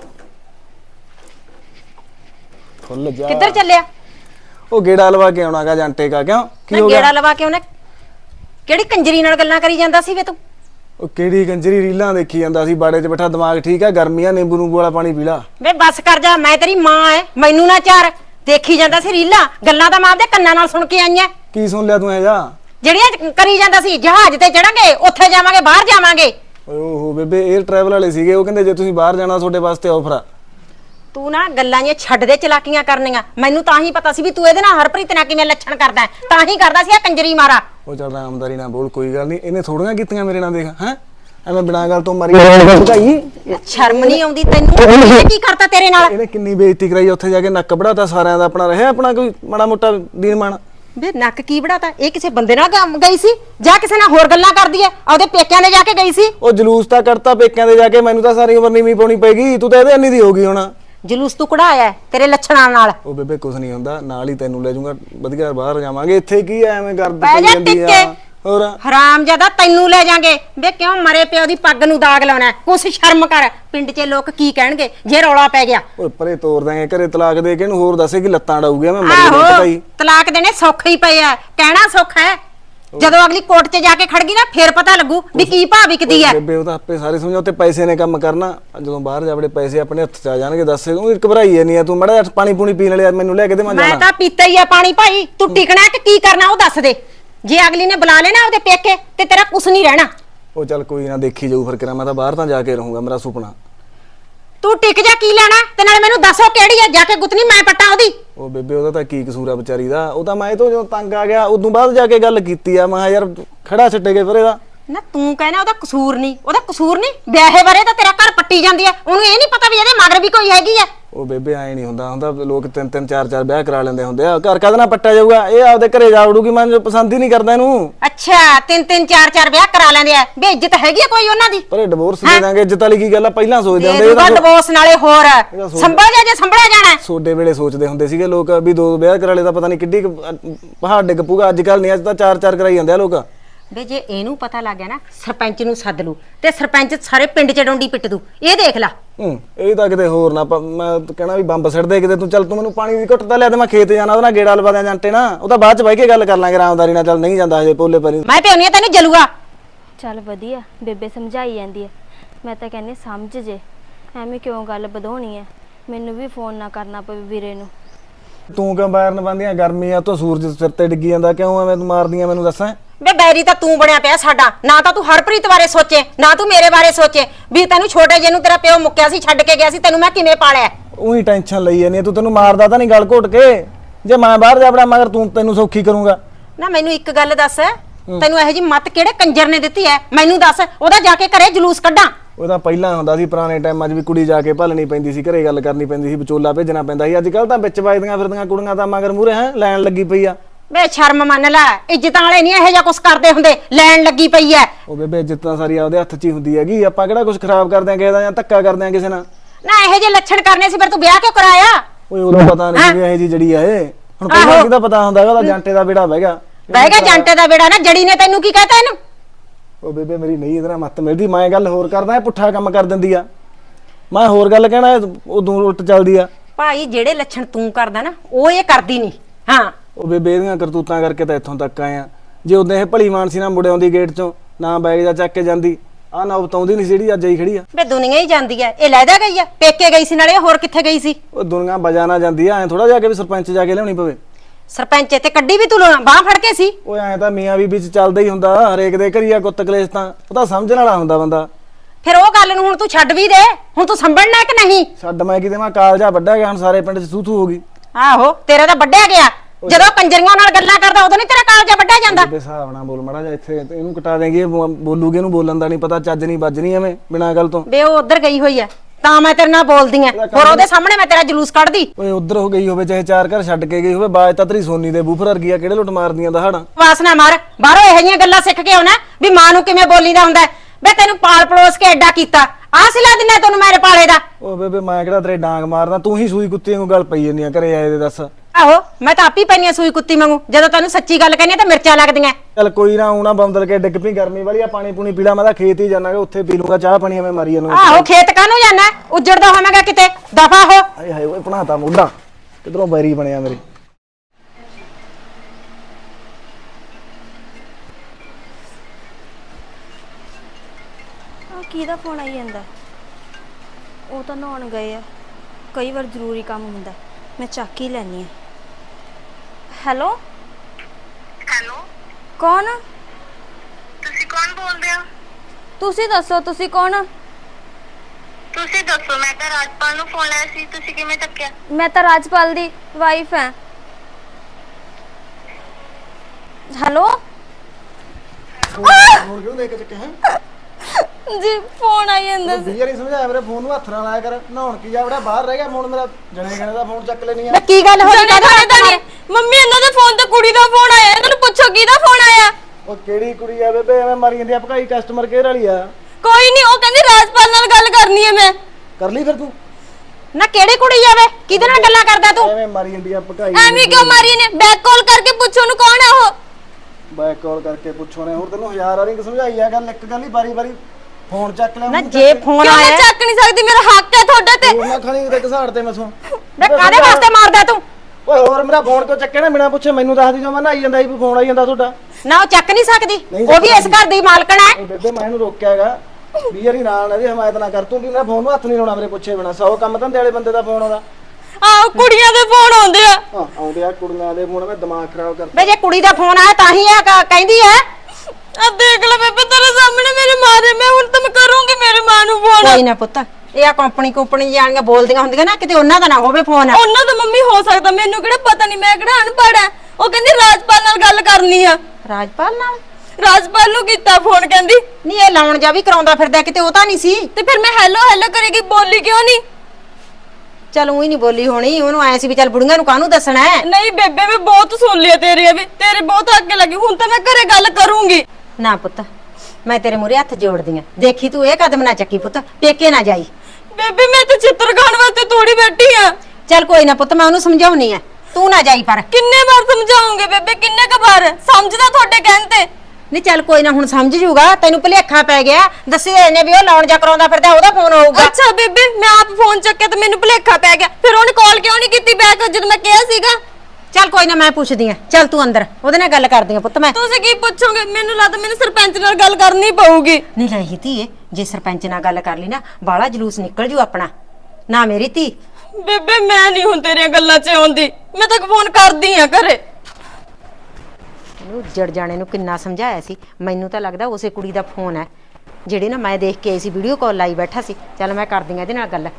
Speaker 1: ਖੁੱਲ ਜਾ।
Speaker 3: ਕਿੱਧਰ ਚੱਲਿਆ?
Speaker 1: ਉਹ ਗੇੜਾ ਲਵਾ ਕੇ ਆਉਣਾਗਾ ਜਾਂਟੇ ਕਾ। ਕਿਉਂ ਕੀ
Speaker 3: ਮੈਂ
Speaker 1: ਹੋ
Speaker 3: ਗੇੜਾ
Speaker 1: ਗਿਆ?
Speaker 3: ਲਵਾ ਕੇ ਉਹਨੇ ਕਿਹੜੀ ਕੰਜਰੀ ਨਾਲ ਗੱਲਾਂ ਕਰੀ ਜਾਂਦਾ ਸੀ ਵੇ ਤੂੰ?
Speaker 1: ਉਹ ਕਿਹੜੀ ਕੰਜਰੀ ਰੀਲਾਂ ਦੇਖੀ ਜਾਂਦਾ ਸੀ, ਬਾੜੇ 'ਚ ਬੈਠਾ। ਦਿਮਾਗ ਠੀਕ ਆ? ਗਰਮੀਆਂ ਨਿੰਬੂ ਨੂੰਬੂ ਵਾਲਾ ਪਾਣੀ ਪੀ ਲਾ।
Speaker 3: ਵੇ ਬੱਸ ਕਰ ਜਾ, ਮੈਂ ਤੇਰੀ ਮਾਂ ਐ, ਮੈਨੂੰ ਨਾ ਚਾਰ। ਦੇਖੀ ਜਾਂਦਾ ਸੀ ਰੀਲਾਂ, ਗੱਲਾਂ ਤਾਂ ਮੈਂ ਆਪਦੇ ਕੰਨਾਂ ਨਾਲ ਸੁਣ ਕੇ ਆਈਆਂ।
Speaker 1: ਕੀ ਸੁਣ ਲਿਆ ਤੂੰ ਇਹ ਜਾ?
Speaker 3: ਜਿਹੜੀਆਂ ਕਰੀ ਜਾਂਦਾ ਸੀ, ਜਹਾਜ਼ ਤੇ ਚੜਾਂਗੇ, ਉੱਥੇ ਜਾਵਾਂਗੇ, ਬਾਹਰ ਜਾਵਾਂਗੇ।
Speaker 1: ਓਏ ਓਹੋ ਬੇਬੇ, 에ਅਰ ਟਰੈਵਲ ਵਾਲੇ ਸੀਗੇ, ਉਹ ਕਹਿੰਦੇ ਜੇ ਤੁਸੀਂ ਬਾਹਰ ਜਾਣਾ ਤੁਹਾਡੇ ਵਾਸਤੇ ਆਫਰ ਆ।
Speaker 3: ਤੂੰ ਨਾ ਗੱਲਾਂ ਜਿਹੀਆਂ ਛੱਡ ਦੇ, ਚਲਾਕੀਆਂ ਕਰਨੀਆਂ। ਮੈਨੂੰ ਤਾਂ ਹੀ ਪਤਾ ਸੀ ਵੀ ਤੂੰ ਇਹਦੇ ਨਾਲ ਹਰਪ੍ਰੀਤ ਨਾਲ ਕਿਵੇਂ ਲੱਛਣ ਕਰਦਾ, ਤਾਂ ਹੀ ਕਰਦਾ ਸੀ ਆ ਕੰਜਰੀ ਮਾਰਾ।
Speaker 1: ਉਹ ਚੱਲ ਆਰਾਮਦਾਰੀ ਨਾਲ ਬੋਲ, ਕੋਈ ਗੱਲ ਨਹੀਂ। ਇਹਨੇ ਥੋੜੀਆਂ ਕੀਤੀਆਂ ਮੇਰੇ ਨਾਲ, ਦੇਖ ਹੈ ਐਵੇਂ ਬਿਨਾਂ ਗੱਲ ਤੋਂ ਮਾਰੀ ਭਗਾਈ।
Speaker 3: ਸ਼ਰਮ ਨਹੀਂ ਆਉਂਦੀ ਤੈਨੂੰ? ਇਹਨੇ ਕੀ ਕਰਤਾ ਤੇਰੇ ਨਾਲ?
Speaker 1: ਇਹਨੇ ਕਿੰਨੀ ਬੇਇੱਜ਼ਤੀ ਕਰਾਈ, ਉੱਥੇ ਜਾ ਕੇ ਨੱਕ ਵੜਾਤਾ ਸਾਰਿਆਂ ਦਾ। ਆਪਣਾ ਰਹਿਆ ਆਪਣਾ ਕੋਈ ਮਾੜਾ ਮੋਟਾ ਦੀਨ ਮਾਣ?
Speaker 3: ਵੇ ਨੱਕ ਕੀ ਵੜਾਤਾ? ਇਹ ਕਿਸੇ ਬੰਦੇ ਨਾਲ ਗ- ਗਈ ਸੀ ਜਾਂ ਕਿਸੇ ਨਾਲ ਹੋਰ ਗੱਲਾਂ ਕਰਦੀ ਐ? ਆਪਦੇ ਪੇਕਿਆਂ ਦੇ ਜਾ ਕੇ ਗਈ ਸੀ।
Speaker 1: ਉਹ ਜਲੂਸ ਤਾਂ ਕੱਢਤਾ ਪੇਕਿਆਂ ਦੇ ਜਾ ਕੇ, ਮੈਨੂੰ ਤਾਂ ਸਾਰੀ ਉਮਰ ਨੀਵੀਂ ਪਾਉਣੀ ਪੈਗੀ। ਤੂੰ ਤਾਂ ਇਹਦੇ ਇੰਨੀ ਦੀ ਹੋ ਗਈ ਹੁਣ।
Speaker 3: ਜਲੂਸ ਤੂੰ ਕਢਾਇਆ ਤੇਰੇ ਲੱਛਣਾਂ ਨਾਲ।
Speaker 1: ਉਹ ਬੇਬੇ ਕੁਛ ਨਹੀਂ ਹੁੰਦਾ, ਨਾਲ ਹੀ ਤੈਨੂੰ ਲੈ ਜਾਊਂਗਾ, ਵਧੀਆ ਬਾਹਰ ਜਾਵਾਂਗੇ। ਇੱਥੇ ਕੀ ਐ ਐਵੇਂ ਗਰਦ
Speaker 3: ਪੈ
Speaker 1: ਪਈ
Speaker 3: ਜਾ
Speaker 1: ਜਾਂਦੀ
Speaker 3: ਟਿੱਕੇ।
Speaker 1: ਆ। ਹੋਰ
Speaker 3: ਹਰਾਮਜ਼ਾਦਾ ਤੈਨੂੰ ਲੈ ਜਾਾਂਗੇ। ਵੇ ਕਿਉਂ ਮਰੇ ਪਿਓ ਦੀ ਪੱਗ ਨੂੰ ਦਾਗ ਲਾਉਣਾ? ਕੁਛ ਸ਼ਰਮ ਕਰ। ਪਿੰਡ 'ਚ ਲੋਕ ਕੀ ਕਹਿਣਗੇ ਜੇ ਰੌਲਾ ਪੈ ਗਿਆ?
Speaker 1: ਓਏ ਪਰੇ ਤੋਰ ਦਾਂਗੇ, ਘਰੇ ਤਲਾਕ ਦੇ ਕੇ ਇਹਨੂੰ ਹੋਰ ਦੱਸੇ ਕਿ ਲੱਤਾਂ ਡਾਊਗੇ। ਮੈਂ ਮਰੀ ਨਹੀਂ
Speaker 3: ਆਹੋ
Speaker 1: ਪਤਾਈ।
Speaker 3: ਤਲਾਕ ਦੇਣੇ ਸੌਖੇ ਹੀ ਪਏ ਆ, ਕਹਿਣਾ ਸੌਖਾ ਹੈ। ਜਦੋਂ ਅਗਲੀ ਕੋਰਟ 'ਚ ਜਾ ਕੇ ਖੜ ਗਈ ਨਾ, ਫੇਰ ਪਤਾ ਲੱਗੂ ਵੀ ਕੀ ਭਾਅ ਵਿਕਦੀ ਐ।
Speaker 1: ਬੇਬੇ ਉਹ ਤਾਂ ਆਪੇ ਸਾਰੇ ਸਮਝਾਓ, ਤੇ ਪੈਸੇ ਨੇ ਕੰਮ ਕਰਨਾ। ਜਦੋਂ ਬਾਹਰ ਜਾਵੜੇ ਪੈਸੇ ਆਪਣੇ ਹੱਥ 'ਚ ਆ ਜਾਣਗੇ, ਦੱਸ ਤੂੰ ਘਬਰਾਈ ਨਹੀਂ ਆ। ਤੂੰ ਮੜਾ ਪਾਣੀ ਪੂਣੀ ਪੀਣ ਵਾਲੇ ਮੈਨੂੰ ਲੈ ਕੇ ਦੇ, ਮੈਂ
Speaker 3: ਮੈਂ
Speaker 1: ਜਾਣਾ।
Speaker 3: ਤਾਂ ਪੀਤਾ ਹੀ ਆ ਪਾਣੀ ਭਾਈ। ਤੂੰ ਟਿਕਣਾ ਕਿ ਕੀ ਕਰਨਾ ਉਹ ਦੱਸ ਦੇ। ਜੇ ਅਗਲੀ ਨੇ ਬੁਲਾ ਲੈਣਾ ਉਹਦੇ ਪੇਕੇ, ਤੇ ਤੇਰਾ ਕੁਛ ਨਹੀਂ ਰਹਿਣਾ।
Speaker 1: ਉਹ ਚੱਲ ਕੋਈ ਨਾ, ਦੇਖੀ ਜਾਊ ਫਿਰ ਕਰਾਂ। ਮੈਂ ਤਾਂ ਬਾਹਰ ਤਾਂ ਜਾ ਕੇ ਰਹੂੰਗਾ, ਮੇਰਾ ਸੁਪਨਾ।
Speaker 3: ਤੂੰ ਟਿਕ ਜਾ, ਕੀ ਲੈਣਾ? ਤੇ ਨਾਲੇ ਮੈਨੂੰ ਦੱਸੋ ਕਿਹੜੀ ਐ, ਜਾ ਕੇ ਗੁੱਤਨੀ ਮੈਂ ਪੱਟਾਂ ਉਹਦੀ।
Speaker 1: ਉਹ ਬੇਬੇ ਉਹਦਾ ਤਾਂ ਕੀ ਕਸੂਰ ਆ ਵਿਚਾਰੀ ਦਾ? ਉਹ ਤਾਂ ਮੈਂ ਇਹ ਤੋਂ ਜਦੋਂ ਤੰਗ ਆ ਗਿਆ ਉਦੋਂ ਬਾਅਦ ਜਾ ਕੇ ਗੱਲ ਕੀਤੀ ਆ। ਮੈਂ ਕਿਹਾ ਯਾਰ ਖੜਾ ਛੱਡੇ ਗਏ ਫਿਰ ਇਹਦਾ।
Speaker 3: ਨਾ ਤੂੰ ਕਹਿਣਾ ਉਹਦਾ ਕਸੂਰ ਨਹੀਂ, ਉਹਦਾ ਕਸੂਰ ਨਹੀਂ, ਵਿਆਹੇ ਬਾਰੇ ਤਾਂ ਤੇਰਾ ਘਰ ਪੱਟੀ ਜਾਂਦੀ ਐ, ਉਹਨੂੰ ਇਹ ਨਹੀਂ ਪਤਾ ਵੀ ਇਹਦੇ ਮਗਰ ਵੀ ਕੋਈ ਹੈਗੀ ਐ।
Speaker 1: ਉਹ ਬੇਬੇ ਐ ਨਹੀਂ ਹੁੰਦਾ ਹੁੰਦਾ ਲੋਕ ਤਿੰਨ ਤਿੰਨ ਚਾਰ ਚਾਰ ਵਿਆਹ ਕਰਾ ਲੈਂਦੇ ਹੁੰਦੇ ਆ, ਘਰ ਕਾਹਦੇ ਨਾਲ ਪੱਟਿਆ ਜਾਊਗਾ? ਇਹ ਆਪਦੇ ਘਰੇ ਜਾ ਵੜੂਗੀ, ਮੈਂ ਪਸੰਦ ਹੀ ਨਹੀਂ ਕਰਦਾ ਇਹਨੂੰ।
Speaker 3: ਅੱਛਾ ਤਿੰਨ ਤਿੰਨ ਚਾਰ ਚਾਰ ਵਿਆਹ ਕਰਾ ਲੈਂਦੇ ਆ, ਵੀ ਇੱਜ਼ਤ ਹੈਗੀ ਆ ਕੋਈ ਉਹਨਾਂ ਦੀ?
Speaker 1: ਪਰ ਇਹ ਡਿਵੋਰਸ ਦੇ ਦਾਂਗੇ, ਇੱਜ਼ਤ ਵਾਲੀ ਕੀ ਗੱਲ ਆ? ਪਹਿਲਾਂ ਸੋਚਦੇ ਹੁੰਦੇ
Speaker 3: ਇਹ
Speaker 1: ਇਹ
Speaker 3: ਡਿਵੋਰਸ ਨਾਲੇ ਹੋਰ ਸੰਭਲ ਜਾ ਜੇ ਸੰਭਲਿਆ ਜਾਣਾ।
Speaker 1: ਸੋਡੇ ਵੇਲੇ ਸੋਚਦੇ ਹੁੰਦੇ ਸੀਗੇ ਲੋਕ ਵੀ ਦੋ ਵਿਆਹ ਕਰਾ ਲਏ ਤਾਂ ਪਤਾ ਨਹੀਂ ਕਿੱਡੀ ਕੁ, ਅ, ਪਹਾੜ ਡਿੱਗ ਪੂਗਾ। ਅੱਜ ਕੱਲ ਨਹੀਂ, ਅੱਜ ਤਾਂ ਚਾਰ ਚਾਰ ਕਰਾਈ ਜਾਂਦੇ ਆ ਲੋਕ।
Speaker 3: ਵੇ ਜੇ ਇਹਨੂੰ ਪਤਾ ਲੱਗ ਗਿਆ ਨਾ, ਸਰਪੰਚ ਨੂੰ ਸੱਦ ਲੂ ਤੇ ਸਰਪੰਚ ਸਾਰੇ ਪਿੰਡ ਚ ਡੋਂਡੀ ਪਿੱਟ ਦੂ, ਇਹ ਦੇਖ ਲੈ।
Speaker 1: ਹੂੰ ਇਹ ਤਾਂ ਕਿਤੇ ਹੋਰ ਨਾ, ਮੈਂ ਕਹਿਣਾ ਵੀ ਬੰਬ ਸਿੱਟਦੇ ਕਿਤੇ। ਤੂੰ ਚੱਲ ਤੂੰ ਮੈਨੂੰ ਪਾਣੀ ਦੀ ਘੁੱਟ ਤਾਂ ਲਿਆ ਤੇ ਮੈਂ ਖੇਤ ਜਾਣਾ, ਉਹਦਾ ਨਾਲ ਗੇੜਾ ਲਵਾ ਦਿਆਂ ਜਾਂਟੇ ਨਾ, ਉਹ ਤਾਂ ਬਾਅਦ ਚ ਬਹਿ ਕੇ ਗੱਲ ਕਰ ਲਾਂਗੇ ਆਰਾਮਦਾਰੀ ਨਾਲ। ਚੱਲ ਨਹੀਂ ਜਾਂਦਾ ਹਜੇ ਪੋਲੇ ਪਰੀ
Speaker 3: ਮੈਂ ਪਿਉਣੀ ਆ ਤੈਨੂੰ ਜਲੂਆ।
Speaker 5: ਚੱਲ ਵਧੀਆ, ਬੇਬੇ ਸਮਝਾਈ ਜਾਂਦੀ ਹੈ। ਮੈਂ ਤਾਂ ਕਹਿੰਦੀ ਸਮਝ ਜੇ, ਐਵੇਂ ਕਿਉਂ ਗੱਲ ਵਧਾਉਣੀ ਹੈ। ਮੈਨੂੰ ਵੀ ਫੋਨ ਨਾ ਕਰਨਾ ਪਵੇ ਵੀਰੇ ਨੂੰ।
Speaker 1: ਤੂੰ ਕਿਉਂ ਬਾਹਰ ਬੰਦੀਆਂ? ਗਰਮੀ ਆ, ਤੂੰ ਸੂਰਜ ਸਿਰ ਤੇ ਡਿੱਗੀ ਜਾਂਦਾ, ਕਿਉਂ ਐਵੇਂ ਤੂੰ ਮਾਰਦੀਆਂ ਮੈਨੂੰ ਦੱਸਾਂ?
Speaker 3: ਵੇ ਬੈਰੀ ਤਾਂ ਤੂੰ ਬਣਿਆ ਪਿਆ ਸਾਡਾ, ਨਾ ਤਾਂ ਤੂੰ ਹਰਪ੍ਰੀਤ ਬਾਰੇ ਸੋਚੇ, ਨਾ ਤੂੰ ਮੇਰੇ ਬਾਰੇ ਸੋਚੇ ਵੀ ਤੈਨੂੰ ਛੋਟੇ ਜਿਹੇ ਨੂੰ ਤੇਰਾ ਪਿਓ ਮੁੱਕਿਆ ਸੀ, ਛੱਡ ਕੇ ਗਿਆ ਸੀ, ਤੈਨੂੰ ਮੈਂ ਕਿਵੇਂ ਪਾਲਿਆ।
Speaker 1: ਉਹੀ ਟੈਨਸ਼ਨ ਲਈ ਜਾਂਦੀ ਤੂੰ, ਤੈਨੂੰ ਮਾਰਦਾ ਤਾਂ ਨਹੀਂ ਗਲ ਘੋਟ ਕੇ? ਜੇ ਮੈਂ ਬਾਹਰ ਜਾ ਬੜਾ ਮਗਰ ਤੂੰ ਤੈਨੂੰ ਸੌਖੀ ਕਰੂੰਗਾ?
Speaker 3: ਨਾ ਮੈਨੂੰ ਇੱਕ ਗੱਲ ਦੱਸ, ਤੈਨੂੰ ਇਹੋ ਜੀ ਮੱਤ ਕਿਹੜੇ ਕੰਜਰ ਨੇ ਦਿੱਤੀ ਐ? ਮੈਨੂੰ ਦੱਸ, ਉਹਦਾ ਜਾ ਕੇ ਘਰੇ ਜਲੂਸ ਕੱਢਾਂ।
Speaker 1: ਉਹ ਤਾਂ ਪਹਿਲਾਂ ਹੁੰਦਾ ਸੀ ਪੁਰਾਣੇ ਟਾਈਮਾਂ 'ਚ ਵੀ ਕੁੜੀ ਜਾ ਕੇ ਭੱਲਣੀ ਪੈਂਦੀ ਸੀ, ਘਰੇ ਗੱਲ ਕਰਨੀ ਪੈਂਦੀ ਸੀ, ਵਿਚੋਲਾ ਭੇਜਣਾ ਪੈਂਦਾ ਸੀ। ਅੱਜ ਕੱਲ ਤਾਂ ਵਿੱਚ ਵੱਜਦੀਆਂ ਫਿਰਦੀਆਂ ਕੁੜੀਆਂ ਤਾਂ ਮਗਰ ਮੂਹਰੇ ਹੈ ਲੈਣ ਲੱਗੀ ਪਈ ਆ।
Speaker 3: ਵੇ ਸ਼ਰਮ ਮੰਨ ਲੈ, ਇੱਜ਼ਤਾਂ ਵਾਲੇ ਨਹੀਂ ਇਹੋ ਜਿਹਾ ਕੁਛ ਕਰਦੇ ਹੁੰਦੇ, ਲੈਣ ਲੱਗੀ ਪਈ ਐ।
Speaker 1: ਉਹ ਬੇਬੇ ਇੱਜ਼ਤ ਤਾਂ ਸਾਰੀ ਆਪਦੇ ਹੱਥ 'ਚ ਹੀ ਹੁੰਦੀ ਹੈਗੀ, ਆਪਾਂ ਕਿਹੜਾ ਕੁਝ ਖਰਾਬ ਕਰਦੇ ਆਂ ਕਿਸੇ ਦਾ ਜਾਂ ਧੱਕਾ ਕਰਦੇ ਆਂ ਕਿਸੇ ਨਾਲ?
Speaker 3: ਨਾ ਇਹੋ ਜਿਹੇ ਲੱਛਣ ਕਰਨੇ ਸੀ, ਫਿਰ ਤੂੰ ਵਿਆਹ ਕਿਉਂ ਕਰਾਇਆ?
Speaker 1: ਓਏ ਉਦੋਂ ਪਤਾ ਨਹੀਂ ਸੀ ਇਹ ਜੀ ਜੜੀ ਆ ਇਹ, ਹੁਣ ਪਹਿਲਾਂ ਕਿਹਦਾ ਪਤਾ ਹੁੰਦਾ ਉਹਦਾ ਜਾਂਟੇ ਦਾ ਬੇੜਾ ਬਹਿ ਗਿਆ।
Speaker 3: ਬਹਿ ਗਿਆ ਜਾਂਟੇ ਦਾ ਬੇੜਾ, ਨਾ ਜੜੀ ਨੇ ਤੈਨੂੰ ਕੀ ਕਹਤਾ ਇਹਨੂੰ?
Speaker 1: ਉਹ ਬੇਬੇ ਮੇਰੀ ਨਹੀਂ ਇਹਦੇ ਨਾਲ ਮੱਤ ਮਿਲਦੀ, ਮੈਂ ਗੱਲ ਹੋਰ ਕਰਦਾ, ਇਹ ਪੁੱਠਾ ਕੰਮ ਕਰ ਦਿੰਦੀ ਆ। ਮੈਂ ਹੋਰ ਗੱਲ ਕਹਿਣਾ, ਉਹ ਦੂਰ ਉਲਟ ਚੱਲਦੀ ਆ।
Speaker 3: ਭਾਈ ਜਿਹੜੇ ਲੱਛਣ ਤੂੰ ਕਰਦਾ ਨਾ, ਉਹ ਇਹ ਕਰਦੀ ਨਹੀਂ। ਹਾਂ
Speaker 1: ਉਹ ਬੇਬੇ ਦੀਆਂ ਕਰਤੂਤਾਂ ਕਰਕੇ ਤਾਂ ਇੱਥੋਂ ਤੱਕ ਆਏ ਆ। ਜੇ ਉਦੋਂ ਇਹ ਭਲੀ ਮਾਨਸੀ ਨਾਲ ਮੁੜੇ ਆਉਂਦੀ ਗੇਟ ਚੋਂ, ਨਾ ਬੈਗ ਜਾ ਚੱਕ ਕੇ ਜਾਂਦੀ, ਆਹ ਨਾ ਬਤਾਉਂਦੀ ਨਹੀਂ ਜਿਹੜੀ ਅੱਜ ਆਈ ਖੜੀ ਆ।
Speaker 3: ਵੇ ਦੁਨੀਆ ਹੀ ਜਾਂਦੀ ਐ, ਇਹ ਲੈਦਾ ਗਈ ਆ, ਪੇਕੇ ਗਈ ਸੀ ਨਾਲੇ, ਹੋਰ ਕਿੱਥੇ ਗਈ ਸੀ?
Speaker 1: ਉਹ ਦੁਨੀਆ ਬਜਾ ਨਾ ਜਾਂਦੀ ਆ, ਐ ਥੋੜਾ ਜਾ ਕੇ ਵੀ ਸਰਪੰਚ ਜਾ ਕੇ ਲਿਆਉਣੀ ਪਵੇ।
Speaker 3: ਸਰਪੰਚ ਤੇ ਕੱਢੀ ਵੀ ਤੂੰ ਬਾਹ ਫੜ ਕੇ ਸੀ।
Speaker 1: ਓਏ ਐ ਤਾਂ ਮੀਆਂ ਬੀਬੀ ਚ ਚੱਲਦਾ ਹੀ ਹੁੰਦਾ, ਹਰੇਕ ਦੇ ਘਰੀ ਆ ਗੁੱਤ ਕਲੇਸ਼, ਤਾਂ ਉਹ ਤਾਂ ਸਮਝਣ ਵਾਲਾ ਹੁੰਦਾ ਬੰਦਾ।
Speaker 3: ਫਿਰ ਉਹ ਗੱਲ ਨੂੰ ਹੁਣ ਤੂੰ ਛੱਡ ਵੀ ਦੇ, ਹੁਣ ਤੂੰ ਸੰਭਲਣਾ ਕਿ ਨਹੀਂ?
Speaker 1: ਛੱਡ ਮੈਂ ਕਿਤੇ, ਮੈਂ ਕਾਲਜਾ ਵੱਡਾ ਗਿਆ, ਹੁਣ ਸਾਰੇ ਪਿੰਡ ਚ ਥੂ ਥੂ ਹੋ ਗਈ।
Speaker 3: ਆਹੋ ਤੇਰਾ ਤਾਂ ਵੱਡਿਆ ਗਿਆ, ਜਦੋਂ ਕੰਜਰੀਆਂ ਨਾਲ ਗੱਲਾਂ ਕਰਦਾ ਉਦੋਂ ਨਹੀਂ ਤੇਰਾ ਕਾਲਜਾ ਵੱਡਿਆ ਜਾਂਦਾ।
Speaker 1: ਬੇਬੇ ਹਿਸਾਬ ਨਾਲ ਬੋਲ ਮੜਾ ਜਾ, ਇੱਥੇ ਇਹਨੂੰ ਕਟਾ ਦੇਂਗੇ, ਬੋਲੂਗੇ, ਇਹਨੂੰ ਬੋਲਣ ਦਾ ਨਹੀਂ ਪਤਾ, ਚੱਜ ਨਹੀਂ ਵੱਜਣੀ ਐਵੇਂ ਬਿਨਾਂ ਗੱਲ ਤੋਂ।
Speaker 3: ਬੇ ਉਹ ਉਧਰ ਗਈ ਹੋਈ ਐ ਤਾਂ ਮੈਂ ਤੇਰੇ ਨਾਲ ਬੋਲਦੀ ਆਂ, ਹੋਰ ਉਹਦੇ ਸਾਹਮਣੇ ਮੈਂ ਤੇਰਾ ਜਲੂਸ ਕੱਢਦੀ।
Speaker 1: ਓਏ ਉਧਰ ਹੋ ਗਈ ਹੋਵੇ, ਚਾਹੇ ਚਾਰ ਘਰ ਛੱਡ ਕੇ ਗਈ ਹੋਵੇ, ਬਾਜ ਤਾਂ ਤੇਰੀ ਸੋਨੀ ਦੇ ਬੂਫਰ ਵਰਗੀ ਆ, ਕਿਹੜੇ ਲੁੱਟ ਮਾਰਦੀਆਂ ਦਹਾੜਾਂ।
Speaker 3: ਵਾਸਨਾ ਮਾਰ, ਬਾਹਰੋਂ ਇਹੋ ਜਿਹੀਆਂ ਗੱਲਾਂ ਸਿੱਖ ਕੇ ਆਉਣਾ ਵੀ ਮਾਂ ਨੂੰ ਕਿਵੇਂ ਬੋਲੀਦਾ ਹੁੰਦਾ। ਬੇ ਤੈਨੂੰ ਪਾਲ ਪਲੋਸ ਕੇ ਐਡਾ ਕੀਤਾ, ਆਹ ਸਿਲਾ ਦਿੰਦਾ ਤੈਨੂੰ ਮੇਰੇ ਪਾਲੇ ਦਾ।
Speaker 1: ਓ ਬੇਬੇ ਮੈਂ ਕਿਹੜਾ ਤੇਰੇ ਡਾਂਗ ਮਾਰਦਾ, ਤੂੰ ਹੀ ਸੂਈ ਕੁੱਤੀ ਵਾਂਗੂ ਗੱਲ ਪਈ ਜਾਂਦੀ ਆ ਘਰੇ ਆਏ ਦੇ। ਦੱਸ
Speaker 3: ਆਹੋ ਮੈਂ ਤਾਂ ਆਪੀ ਪੈਣੀ ਸੂਈ ਕੁੱਤੀ ਵਾਂਗੂ, ਜਦੋਂ ਤੈਨੂੰ ਸੱਚੀ ਗੱਲ ਕਹਿੰਦੀ ਤਾਂ ਮਿਰਚਾਂ ਲੱਗਦੀਆਂ।
Speaker 1: ਚੱਲ ਕੋਈ ਨਾ, ਆਉਣਾ ਬੰਦਲ ਕੇ ਡਿੱਗ ਪਈ, ਗਰਮੀ ਵਾਲੀ ਆ, ਪਾਣੀ ਪੂਣੀ ਪੀਲਾ, ਮੈਂ ਤਾਂ ਖੇਤ ਹੀ ਜਾਣਾਗਾ, ਉੱਥੇ ਪੀ ਲੂੰਗਾ ਚਾਹ ਪਾਣੀ, ਐਵੇਂ ਮਾਰੀ ਜਾਨੂੰ।
Speaker 3: ਆਹੋ ਖੇਤ ਕਾਹਨੂੰ ਜਾਣਾ, ਉੱਜੜਦਾ ਹੋਵੇਂਗਾ ਕਿਤੇ, ਦਫਾ ਹੋ।
Speaker 1: ਹਾਏ ਹਾਏ ਓਏ ਬਣਾਤਾ ਮੋਢਾ, ਕਿਧਰੋਂ ਬੈਰੀ ਬਣਿਆ ਮੇਰੇ।
Speaker 5: ਆ ਕਿਹਦਾ ਫੋਨ ਆਈ ਜਾਂਦਾ? ਉਹ ਤਾਂ ਨਹਾਉਣ ਗਏ ਆ, ਕਈ ਵਾਰ ਜ਼ਰੂਰੀ ਕੰਮ ਹੁੰਦਾ, ਮੈਂ ਚੱਕ ਹੀ ਲੈਣੀ ਆ। ਹੈਲੋ
Speaker 4: ਹੈਲੋ,
Speaker 5: ਕੌਣ?
Speaker 4: ਤੁਸੀਂ ਕੌਣ ਬੋਲਦੇ ਹੋ?
Speaker 5: ਤੁਸੀਂ ਦੱਸੋ ਤੁਸੀਂ ਕੌਣ?
Speaker 4: ਤੁਸੀਂ ਦੱਸੋ। ਮੈਂ ਤਾਂ ਰਾਜਪਾਲ ਨੂੰ ਫੋਨ ਲਾਇਆ ਸੀ, ਤੁਸੀਂ ਕਿਵੇਂ ਚੱਕਿਆ?
Speaker 5: ਮੈਂ ਤਾਂ ਰਾਜਪਾਲ ਦੀ ਵਾਈਫ ਹਾਂ। ਹੈਲੋ
Speaker 1: ਹੋਰ ਕਿਉਂ ਦੇਖ ਕੇ ਚੱਕੇ ਹੈ
Speaker 5: ਜੀ, ਫੋਨ ਆਈ ਜਾਂਦਾ ਸੀ।
Speaker 1: ਵੀਰ ਨਹੀਂ ਸਮਝਾਇਆ, ਮੇਰੇ ਫੋਨ ਨੂੰ ਹੱਥ ਨਾਲ ਲਾਇਆ ਕਰ, ਨਹਾਉਣ ਕੀ ਜਾ ਵੜਾ, ਬਾਹਰ ਰਹਿ ਗਿਆ ਫੋਨ ਮੇਰਾ, ਜਣੇ ਗਣੇ ਦਾ ਫੋਨ ਚੱਕ ਲੈਣੀ ਆ।
Speaker 3: ਮੈਂ ਕੀ ਗੱਲ ਹੋਈ?
Speaker 5: ਮੰਮੀ ਇਹਨਾਂ ਦੇ ਫੋਨ ਤੇ ਕੁੜੀ ਦਾ ਫੋਨ ਆਇਆ, ਇਹਨਾਂ ਨੂੰ ਪੁੱਛੋ ਕਿਹਦਾ ਫੋਨ ਆਇਆ।
Speaker 1: ਉਹ ਕਿਹੜੀ ਕੁੜੀ ਆ ਬੇਬੇ, ਐਵੇਂ ਮਾਰੀ ਜਾਂਦੀ ਆ ਭਕਾਈ, ਕਸਟਮਰ ਕੇਅਰ ਵਾਲੀ ਆ।
Speaker 5: ਕੋਈ ਨਹੀਂ, ਉਹ ਕਹਿੰਦੀ ਰਾਜਪਾਲ ਨਾਲ ਗੱਲ ਕਰਨੀ ਹੈ। ਮੈਂ
Speaker 1: ਕਰ ਲਈ ਫਿਰ ਤੂੰ?
Speaker 3: ਨਾ ਕਿਹੜੀ ਕੁੜੀ ਜਾਵੇ, ਕਿਹਦੇ ਨਾਲ ਗੱਲਾਂ ਕਰਦਾ ਤੂੰ?
Speaker 1: ਐਵੇਂ ਮਾਰੀ ਜਾਂਦੀ ਆ ਭਕਾਈ।
Speaker 5: ਐਵੇਂ ਕਿਉਂ ਮਾਰੀ ਨੇ? ਬੈਕ ਕਾਲ ਕਰਕੇ ਪੁੱਛੋ ਉਹਨੂੰ ਕੌਣ ਹੈ ਉਹ।
Speaker 1: ਬੈਕ ਕਾਲ ਕਰਕੇ ਪੁੱਛੋ ਨੇ, ਹੋਰ ਤੈਨੂੰ ਹਜ਼ਾਰ ਵਾਰੀ ਸਮਝਾਈ ਆ ਗੱਲ, ਇੱਕ ਗੱਲ ਹੀ ਬਾਰੀ ਬਾਰੀ ਫੋਨ ਚੱਕ ਲੈ।
Speaker 3: ਨਾ ਜੇ ਫੋਨ
Speaker 5: ਕਿਉਂ ਮੈਂ
Speaker 3: ਆਇਆ
Speaker 5: ਚੱਕ ਨਹੀਂ ਸਕਦੀ? ਮੇਰਾ ਹੱਕ ਹੈ ਤੁਹਾਡੇ ਤੇ।
Speaker 1: ਫੋਨ ਨਾ ਖਣੀ ਤੇ ਘਸਾੜ ਤੇ ਮੈਸੋਂ।
Speaker 3: ਬੇ ਕਾਹਦੇ ਵਾਸਤੇ ਮਾਰਦਾ ਤੂੰ?
Speaker 1: ਓਏ ਹੋਰ ਮੇਰਾ ਫੋਨ ਕਿਉਂ ਚੱਕੇ ਨਾ ਬਿਨਾ ਪੁੱਛੇ? ਮੈਨੂੰ ਦੱਸ ਦੀ, ਜੋ ਮੈਂ ਨਹਾਈ ਜਾਂਦਾ ਸੀ ਵੀ ਫੋਨ ਆਈ ਜਾਂਦਾ ਤੁਹਾਡਾ।
Speaker 3: ਨਾ ਉਹ ਚੱਕ ਨਹੀਂ ਸਕਦੀ,
Speaker 1: ਨਹੀਂ
Speaker 3: ਉਹ ਵੀ ਇਸ ਘਰ ਦੀ ਮਾਲਕਣ ਹੈ।
Speaker 1: ਓ ਬੇਬੇ ਮੈਂ ਇਹਨੂੰ ਰੋਕਿਆ ਹੈਗਾ ਵੀ ਯਾਰੀ ਨਾਲ ਇਹਦੀ ਹਮਾਇਤ ਨਾ ਕਰ, ਤੂੰ ਵੀ ਮੇਰਾ ਫੋਨ ਨੂੰ ਹੱਥ ਨਹੀਂ ਲਾਉਣਾ ਮੇਰੇ ਪੁੱਛੇ ਬਿਨਾ। ਸੌ ਕੰਮ ਧੰਦੇ ਵਾਲੇ ਬੰਦੇ ਦਾ ਫੋਨ ਆਉਂਦਾ।
Speaker 5: ਆਹ ਕੁੜੀਆਂ ਦੇ ਫੋਨ ਆਉਂਦੇ ਆ।
Speaker 1: ਹਾਂ ਆਉਂਦੇ ਆ ਕੁੜੀਆਂ ਦੇ ਫੋਨ, ਮੈਂ ਦਿਮਾਗ ਖਰਾਬ ਕਰ।
Speaker 3: ਬੇ ਜੇ ਕੁੜੀ ਦਾ ਫੋਨ ਆਇਆ ਤਾਂ ਹੀ ਇਹ ਕ- ਕਹਿੰਦੀ ਹੈ।
Speaker 5: ਆ ਦੇਖ ਲੈ ਬੇਬੇ, ਤੇਰੇ ਸਾਹਮਣੇ ਮੇਰੇ ਮਾਂ ਦੇ, ਮੈਂ ਹੁਣ ਤਾਂ ਮੈਂ ਕਰੂੰਗੀ ਮੇਰੀ ਮਾਂ ਨੂੰ ਫੋਨ।
Speaker 3: ਕੋਈ ਨਾ ਪੁੱਤ, ਇਹ ਆ ਕੰਪਨੀ ਕੰਪਨੀ ਜਾਣੀਆਂ ਬੋਲਦੀਆਂ ਹੁੰਦੀਆਂ ਨਾ, ਕਿਤੇ ਉਹਨਾਂ ਦਾ ਨਾ ਹੋਵੇ ਫੋਨ।
Speaker 5: ਉਹਨਾਂ ਦਾ ਮੰਮੀ ਹੋ ਸਕਦਾ, ਮੈਨੂੰ ਕਿਹੜਾ ਪਤਾ ਨਹੀਂ, ਮੈਂ ਕਿਹੜਾ ਅਨਪੜ੍ਹ ਆ। ਉਹ ਕਹਿੰਦੀ ਰਾਜਪਾਲ ਨਾਲ ਗੱਲ ਕਰਨੀ ਆ।
Speaker 3: ਰਾਜਪਾਲ ਨਾਲ?
Speaker 6: ਰਾਜਪਾਲ ਨੂੰ ਕੀਤਾ ਫੋਨ, ਕਹਿੰਦੀ
Speaker 3: ਨਹੀਂ ਇਹ ਲਾਉਣ ਜਾ ਵੀ ਕਰਾਉਂਦਾ ਫਿਰਦਾ ਕਿਤੇ ਉਹ ਤਾਂ ਨਹੀਂ ਸੀ।
Speaker 6: ਤੇ ਫਿਰ ਮੈਂ ਹੈਲੋ ਹੈਲੋ ਕਰੇਗੀ, ਬੋਲੀ ਕਿਉਂ ਨਹੀਂ?
Speaker 3: ਚਲ ਉਹੀ ਨਹੀਂ ਬੋਲੀ ਹੋਣੀ, ਉਹਨੂੰ ਐ ਸੀ ਵੀ ਚੱਲ ਬੁੜੀਆਂ ਨੂੰ ਕਾਹਨੂੰ ਦੱਸਣਾ ਹੈ।
Speaker 6: ਨਹੀਂ ਬੇਬੇ ਮੈਂ ਬਹੁਤ ਸੁਣ ਲਿਆ ਤੇਰੀਆਂ ਵੀ, ਤੇਰੇ ਬਹੁਤ ਅੱਗੇ ਲੱਗੀ, ਹੁਣ ਤਾਂ ਮੈਂ ਘਰੇ ਗੱਲ ਕਰੂੰਗੀ।
Speaker 3: ਨਾ ਪੁੱਤ ਮੈਂ ਤੇਰੇ ਮੂਹਰੇ ਹੱਥ ਜੋੜਦੀ ਆ, ਦੇਖੀ ਤੂੰ ਇਹ ਕਦਮ ਨਾ ਚੱਕੀ ਪੁੱਤ, ਪੇਕੇ ਨਾ ਜਾਈ।
Speaker 6: ਬੇਬੇ ਮੈਂ ਤਾਂ ਚਿੱਤਰ ਖਾਣ ਵਾਸਤੇ ਥੋੜੀ ਬੈਠੀ ਆ।
Speaker 3: ਚੱਲ ਕੋਈ ਨਾ ਪੁੱਤ, ਮੈਂ ਉਹਨੂੰ ਸਮਝਾਉਣੀ ਆ, ਤੂੰ ਨਾ ਜਾਈ ਪਰ।
Speaker 6: ਕਿੰਨੇ ਵਾਰ ਸਮਝਾਉਂਗੇ ਬੇਬੇ, ਕਿੰਨੇ ਕ ਵਾਰ? ਸਮਝਦਾ ਤੁਹਾਡੇ ਕਹਿਣ ਤੇ?
Speaker 3: ਨਹੀਂ ਚੱਲ ਕੋਈ ਨਾ, ਹੁਣ ਸਮਝ ਜੂਗਾ, ਤੈਨੂੰ ਭੁਲੇਖਾ ਪੈ ਗਿਆ, ਦੱਸੇ ਇਹਨੇ ਵੀ ਉਹ ਲਾਉਣ ਜਾ ਕਰਾਉਂਦਾ ਫਿਰਦਾ, ਉਹਦਾ ਫੋਨ ਹੋਊਗਾ।
Speaker 6: ਅੱਛਾ ਬੇਬੇ ਮੈਂ ਆਪ ਫੋਨ ਚੱਕਿਆ ਤੇ ਮੈਨੂੰ ਭੁਲੇਖਾ ਪੈ ਗਿਆ, ਫਿਰ ਉਹਨੇ ਕਾਲ ਕਿਉਂ ਨਹੀਂ ਕੀਤੀ ਬੈਕ ਜਦੋਂ ਮੈਂ ਕਿਹਾ ਸੀਗਾ?
Speaker 3: ਚੱਲ ਕੋਈ ਨਾ, ਮੈਂ ਪੁੱਛਦੀ ਆ, ਚੱਲ ਤੂੰ ਅੰਦਰ, ਉਹਦੇ ਨਾਲ ਗੱਲ ਕਰਦੀ ਆ ਪੁੱਤ ਮੈਂ।
Speaker 6: ਤੁਸੀਂ ਕੀ ਪੁੱਛੋਗੇ? ਮੈਨੂੰ ਲੱਗਦਾ ਮੈਨੂੰ ਸਰਪੰਚ ਨਾਲ ਗੱਲ ਕਰਨੀ ਪਊਗੀ।
Speaker 3: ਨਹੀਂ ਨਹੀਂ ਧੀਏ, ਜੇ ਸਰਪੰਚ ਨਾਲ ਗੱਲ ਕਰ ਲਈ ਨਾ ਬਾਲਾ ਜਲੂਸ ਨਿਕਲ ਜੂ ਆਪਣਾ। ਨਾ ਮੇਰੀ ਧੀ।
Speaker 6: ਬੇਬੇ ਮੈਂ ਨਹੀਂ ਹੁਣ ਤੇਰੀਆਂ ਗੱਲਾਂ 'ਚ ਆਉਂਦੀ, ਮੈਂ ਤਾਂ ਫੋਨ ਕਰਦੀ ਆ ਘਰੇ।
Speaker 3: ਇਹਨੂੰ ਜੜ ਜਾਣੇ ਨੂੰ ਕਿੰਨਾ ਸਮਝਾਇਆ ਸੀ, ਮੈਨੂੰ ਤਾਂ ਲੱਗਦਾ ਉਸੇ ਕੁੜੀ ਦਾ ਫੋਨ ਹੈ ਜਿਹੜੇ ਨਾ ਮੈਂ ਦੇਖ ਕੇ ਆਈ ਸੀ, ਵੀਡੀਓ ਕਾਲ ਲਾਈ ਬੈਠਾ ਸੀ। ਚੱਲ ਮੈਂ ਕਰਦੀ ਆ ਇਹਦੇ ਨਾਲ ਗੱਲ।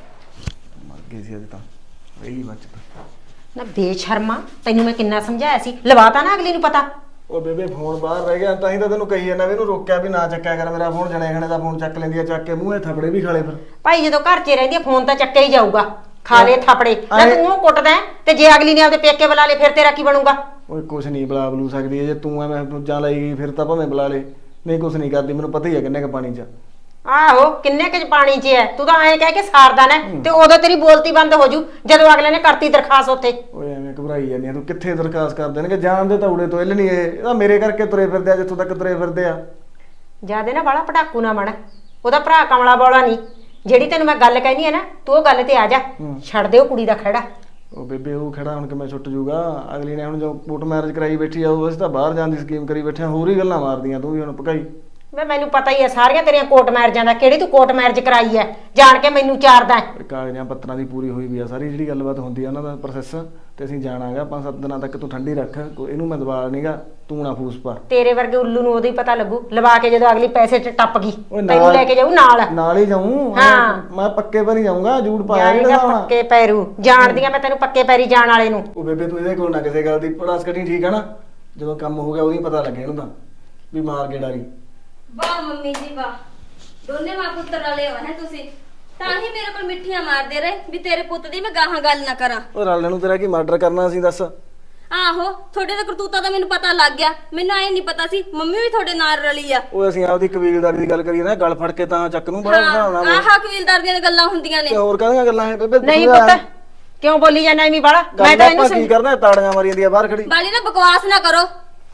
Speaker 1: ਮਰ ਗਈ ਸੀ ਅੱਜ ਤਾਂ ਰਹੀ ਬਚਤ।
Speaker 3: ਨਾ ਬੇਸ਼ਰਮਾ, ਤੈਨੂੰ ਮੈਂ ਕਿੰਨਾ ਸਮਝਾਇਆ ਸੀ, ਲਵਾਤਾ ਨਾ ਅਗਲੀ ਨੂੰ ਪਤਾ।
Speaker 1: ਉਹ ਬੇਬੇ ਫੋਨ ਬਾਹਰ ਰਹਿ ਗਿਆ, ਤਾਂ ਹੀ ਤਾਂ ਤੈਨੂੰ ਕਹੀ ਜਾਂਦਾ ਵੀ ਇਹਨੂੰ ਰੋਕਿਆ ਵੀ ਨਾ ਚੱਕਿਆ ਕਰ ਮੇਰਾ ਫੋਨ। ਜਣੇ ਖਣੇ ਦਾ ਫੋਨ ਚੱਕ ਲੈਂਦੀ ਆ, ਚੱਕ ਕੇ ਮੂੰਹੇ ਥਪੜੇ ਵੀ ਖਾਲੇ। ਫਿਰ
Speaker 3: ਭਾਈ ਜਦੋਂ ਘਰ 'ਚ ਰਹਿੰਦੀ ਆ ਫੋਨ ਤਾਂ ਚੱਕਿਆ ਹੀ ਜਾਊਗਾ, ਖਾ ਲੈ ਥਾਪੜੇ। ਨਾ ਤੂੰ ਉਹ ਕੁੱਟਦਾ ਹੈ, ਤੇ ਜੇ ਅਗਲੀ ਨੇ ਆਪਦੇ ਪੇਕੇ ਬੁਲਾ ਲੇ ਫਿਰ ਤੇਰਾ ਕੀ ਬਣੂਗਾ?
Speaker 1: ਓਏ ਕੁਛ ਨਹੀਂ ਬੁਲਾ ਬਲੂ ਸਕਦੀ ਹੈ, ਜੇ ਤੂੰ ਐਵੇਂ ਦੂਜਾ ਲਾਈ ਗਈ ਫਿਰ ਤਾਂ ਭਾਵੇਂ ਬੁਲਾ ਲੇ, ਨਹੀਂ ਕੁਛ ਨਹੀਂ ਕਰਦੀ, ਮੈਨੂੰ ਪਤਾ ਹੀ ਆ ਕਿੰਨੇ ਕ ਪਾਣੀ 'ਚ।
Speaker 3: ਆਹੋ ਕਿੰਨੇ ਕੁ ਪਾਣੀ 'ਚ ਹੈ, ਤੂੰ ਤਾਂ ਐਂ ਕਹਿ ਕੇ ਸਾਰਦਾ ਨਾ, ਤੇ ਉਦੋਂ ਤੇਰੀ ਬੋਲਤੀ ਬੰਦ ਹੋ ਜੂ ਜਦੋਂ ਅਗਲੇ ਨੇ ਕਰਤੀ ਦਰਖਾਸਤ ਉੱਥੇ।
Speaker 1: ਓਏ ਐਵੇਂ ਘਬਰਾਈ ਜਾਂਦੀ ਆ ਤੂੰ, ਕਿੱਥੇ ਦਰਖਾਸਤ ਕਰ ਦੇਣਗੇ? ਜਾਣਦੇ ਤਾਂ ਉੜੇ ਤੋਂ ਇੱਲ ਨਹੀਂ, ਇਹ ਤਾਂ ਮੇਰੇ ਕਰਕੇ ਤੁਰੇ ਫਿਰਦੇ ਆ ਜਿੱਥੋਂ ਤੱਕ ਤੁਰੇ ਫਿਰਦੇ ਆ।
Speaker 3: ਜਿਆਦੇ ਨਾ ਬਾਲਾ ਪਟਾਕੂ ਨਾ ਬਣ, ਉਹਦਾ ਭਰਾ ਕਮਲਾ ਬੋਲਾ ਨਹੀਂ। ਜਿਹੜੀ ਤੈਨੂੰ ਮੈਂ ਗੱਲ ਕਹਿਨੀ ਹੈ ਨਾ, ਤੂੰ ਉਹ ਗੱਲ ਤੇ ਆ ਜਾ, ਛੱਡ ਦੇ ਉਹ ਕੁੜੀ ਦਾ ਖੜਾ।
Speaker 1: ਉਹ ਬੇਬੇ ਉਹ ਖੜਾ ਹੁਣ ਕਿਵੇਂ ਛੁੱਟ ਜੂਗਾ? ਅਗਲੀ ਨੇ ਹੁਣ ਜੋ ਕੋਰਟ ਮੈਰਿਜ ਕਰਾਈ ਬੈਠੀ ਆ, ਉਹ ਅਸੀਂ ਤਾਂ ਬਾਹਰ ਜਾਣ ਦੀ ਸਕੀਮ ਕਰੀ ਬੈਠੇ ਆ, ਹੋਰ ਹੀ ਗੱਲਾਂ ਮਾਰਦੀਆਂ ਤੂੰ ਵੀ ਹੁਣ ਪਕਾਈ।
Speaker 3: ਮੈਂ ਮੈਨੂੰ ਪਤਾ ਹੀ ਹੈ ਸਾਰੀਆਂ ਤੇਰੀਆਂ ਕੋਰਟ ਮੈਰਿਜਾਂ ਦਾ, ਕਿਹੜੀ ਤੂੰ ਕੋਰਟ ਮੈਰਿਜ ਕਰਾਈ ਹੈ ਜਾਣ ਕੇ ਮੈਨੂੰ ਚਾਰਦਾ।
Speaker 1: ਕਾਗਜ਼ਾਂ ਪੱਤਰਾਂ ਦੀ ਪੂਰੀ ਹੋਈ ਵੀ ਆ ਸਾਰੀ ਜਿਹੜੀ ਗੱਲਬਾਤ ਹੁੰਦੀ ਆ ਉਹਨਾਂ ਦਾ ਪ੍ਰੋਸੈਸ, ਤੇ ਅਸੀਂ ਜਾਣਾਗਾ ਪੰਜ ਸੱਤ ਦਿਨਾਂ ਤੱਕ। ਤੂੰ ਠੰਡੀ ਰੱਖ, ਇਹਨੂੰ ਮੈਂ ਦਬਾ ਨਹੀਂਗਾ, ਤੂੰ ਨਾ ਫੂਸ ਪਾ।
Speaker 3: ਤੇਰੇ ਵਰਗੇ ਉੱਲੂ ਨੂੰ ਉਦੋਂ ਹੀ ਪਤਾ ਲੱਗੂ, ਲਵਾ ਕੇ ਜਦੋਂ ਅਗਲੀ ਪੈਸੇ 'ਚ ਟੱਪ ਗਈ
Speaker 1: ਓਏ ਨਾਲ-
Speaker 3: ਤੈਨੂੰ ਲੈ ਕੇ ਜਾਊ ਨਾਲ।
Speaker 1: ਨਾਲ ਹੀ ਜਾਊਂ
Speaker 3: ਹਾਂ।
Speaker 1: ਮੈਂ ਪੱਕੇ ਪਰ ਹੀ ਜਾਊਂਗਾ, ਜੂੜ ਪਾਇਆ ਨੀ
Speaker 3: ਜਾਏਗਾ
Speaker 1: ਦਿਖਾਉਣਾ।
Speaker 3: ਪੱਕੇ ਪੈਰੂ, ਜਾਣਦੀ ਆ ਮੈਂ ਤੈਨੂੰ ਪੱਕੇ ਪੈਰੀ ਜਾਣ ਵਾਲੇ ਨੂੰ।
Speaker 1: ਉਹ ਬੇਬੇ ਤੂੰ ਇਹਦੇ ਕੋਲ ਨਾ ਕਿਸੇ ਗੱਲ ਦੀ ਪੜਾਸ ਕੱਢੀ, ਠੀਕ ਆ ਨਾ? ਜਦੋਂ ਕੰਮ ਹੋ ਗਿਆ ਉਦੋਂ ਹੀ ਪਤਾ ਲੱਗਿਆ ਇਹਨੂੰ ਤਾਂ ਵੀ ਮਾਰ ਕੇ ਡਾਰੀ।
Speaker 5: ਵਾਹ ਮੰਮੀ ਜੀ ਵਾਹ, ਦੋਨੇ ਮਾਂ ਪੁੱਤਰ ਵਾਲੇ ਹੋ ਹੈ ਤੁਸੀਂ, ਤਾਂ ਹੀ ਮੇਰੇ ਕੋਲ ਮਿੱਠੀਆਂ ਮਾਰਦੇ ਰਹੇ ਵੀ ਤੇਰੇ ਪੁੱਤ ਦੀ ਮੈਂ ਗਾਹਾਂ ਗੱਲ ਨਾ ਕਰਾਂ।
Speaker 1: ਉਹ ਰਲਣ ਨੂੰ ਤੇਰਾ ਕੀ ਮਰਡਰ ਕਰਨਾ ਸੀ ਦੱਸ?
Speaker 5: ਆਹੋ ਤੁਹਾਡੇ ਦਾ ਕਰਤੂਤਾ ਤਾਂ ਮੈਨੂੰ ਪਤਾ ਲੱਗ ਗਿਆ, ਮੈਨੂੰ ਐ ਨਹੀਂ ਪਤਾ ਸੀ ਮੰਮੀ ਵੀ ਤੁਹਾਡੇ ਨਾਲ ਰਲੀ ਆ।
Speaker 1: ਉਹ ਅਸੀਂ ਆਪਦੀ ਕਬੀਲਦਾਰੀ ਦੀ ਗੱਲ ਕਰੀਏ ਨਾ, ਗਲ ਫੜ ਕੇ ਤਾਂ ਚੱਕ ਨੂੰ ਬੜਾ ਬਣਾਉਣਾ।
Speaker 5: ਆਹ ਕਬੀਲਦਾਰ ਦੀਆਂ ਗੱਲਾਂ ਹੁੰਦੀਆਂ ਨੇ।
Speaker 1: ਤੇ ਹੋਰ ਕਾਹਦੀਆਂ ਗੱਲਾਂ ਹੈ ਬੇਬੇ?
Speaker 3: ਨਹੀਂ ਪੁੱਤ ਕਿਉਂ ਬੋਲੀ ਜਾਂਦਾ ਐਵੇਂ ਬਾਲਾ? ਮੈਂ ਤਾਂ ਇਹਨੂੰ
Speaker 1: ਕੀ ਕਰਨਾ, ਤਾੜੀਆਂ ਮਾਰੀ ਜਾਂਦੀ ਆ ਬਾਹਰ ਖੜੀ।
Speaker 5: ਬਾਲੀ ਨਾ ਬਕਵਾਸ ਨਾ ਕਰੋ।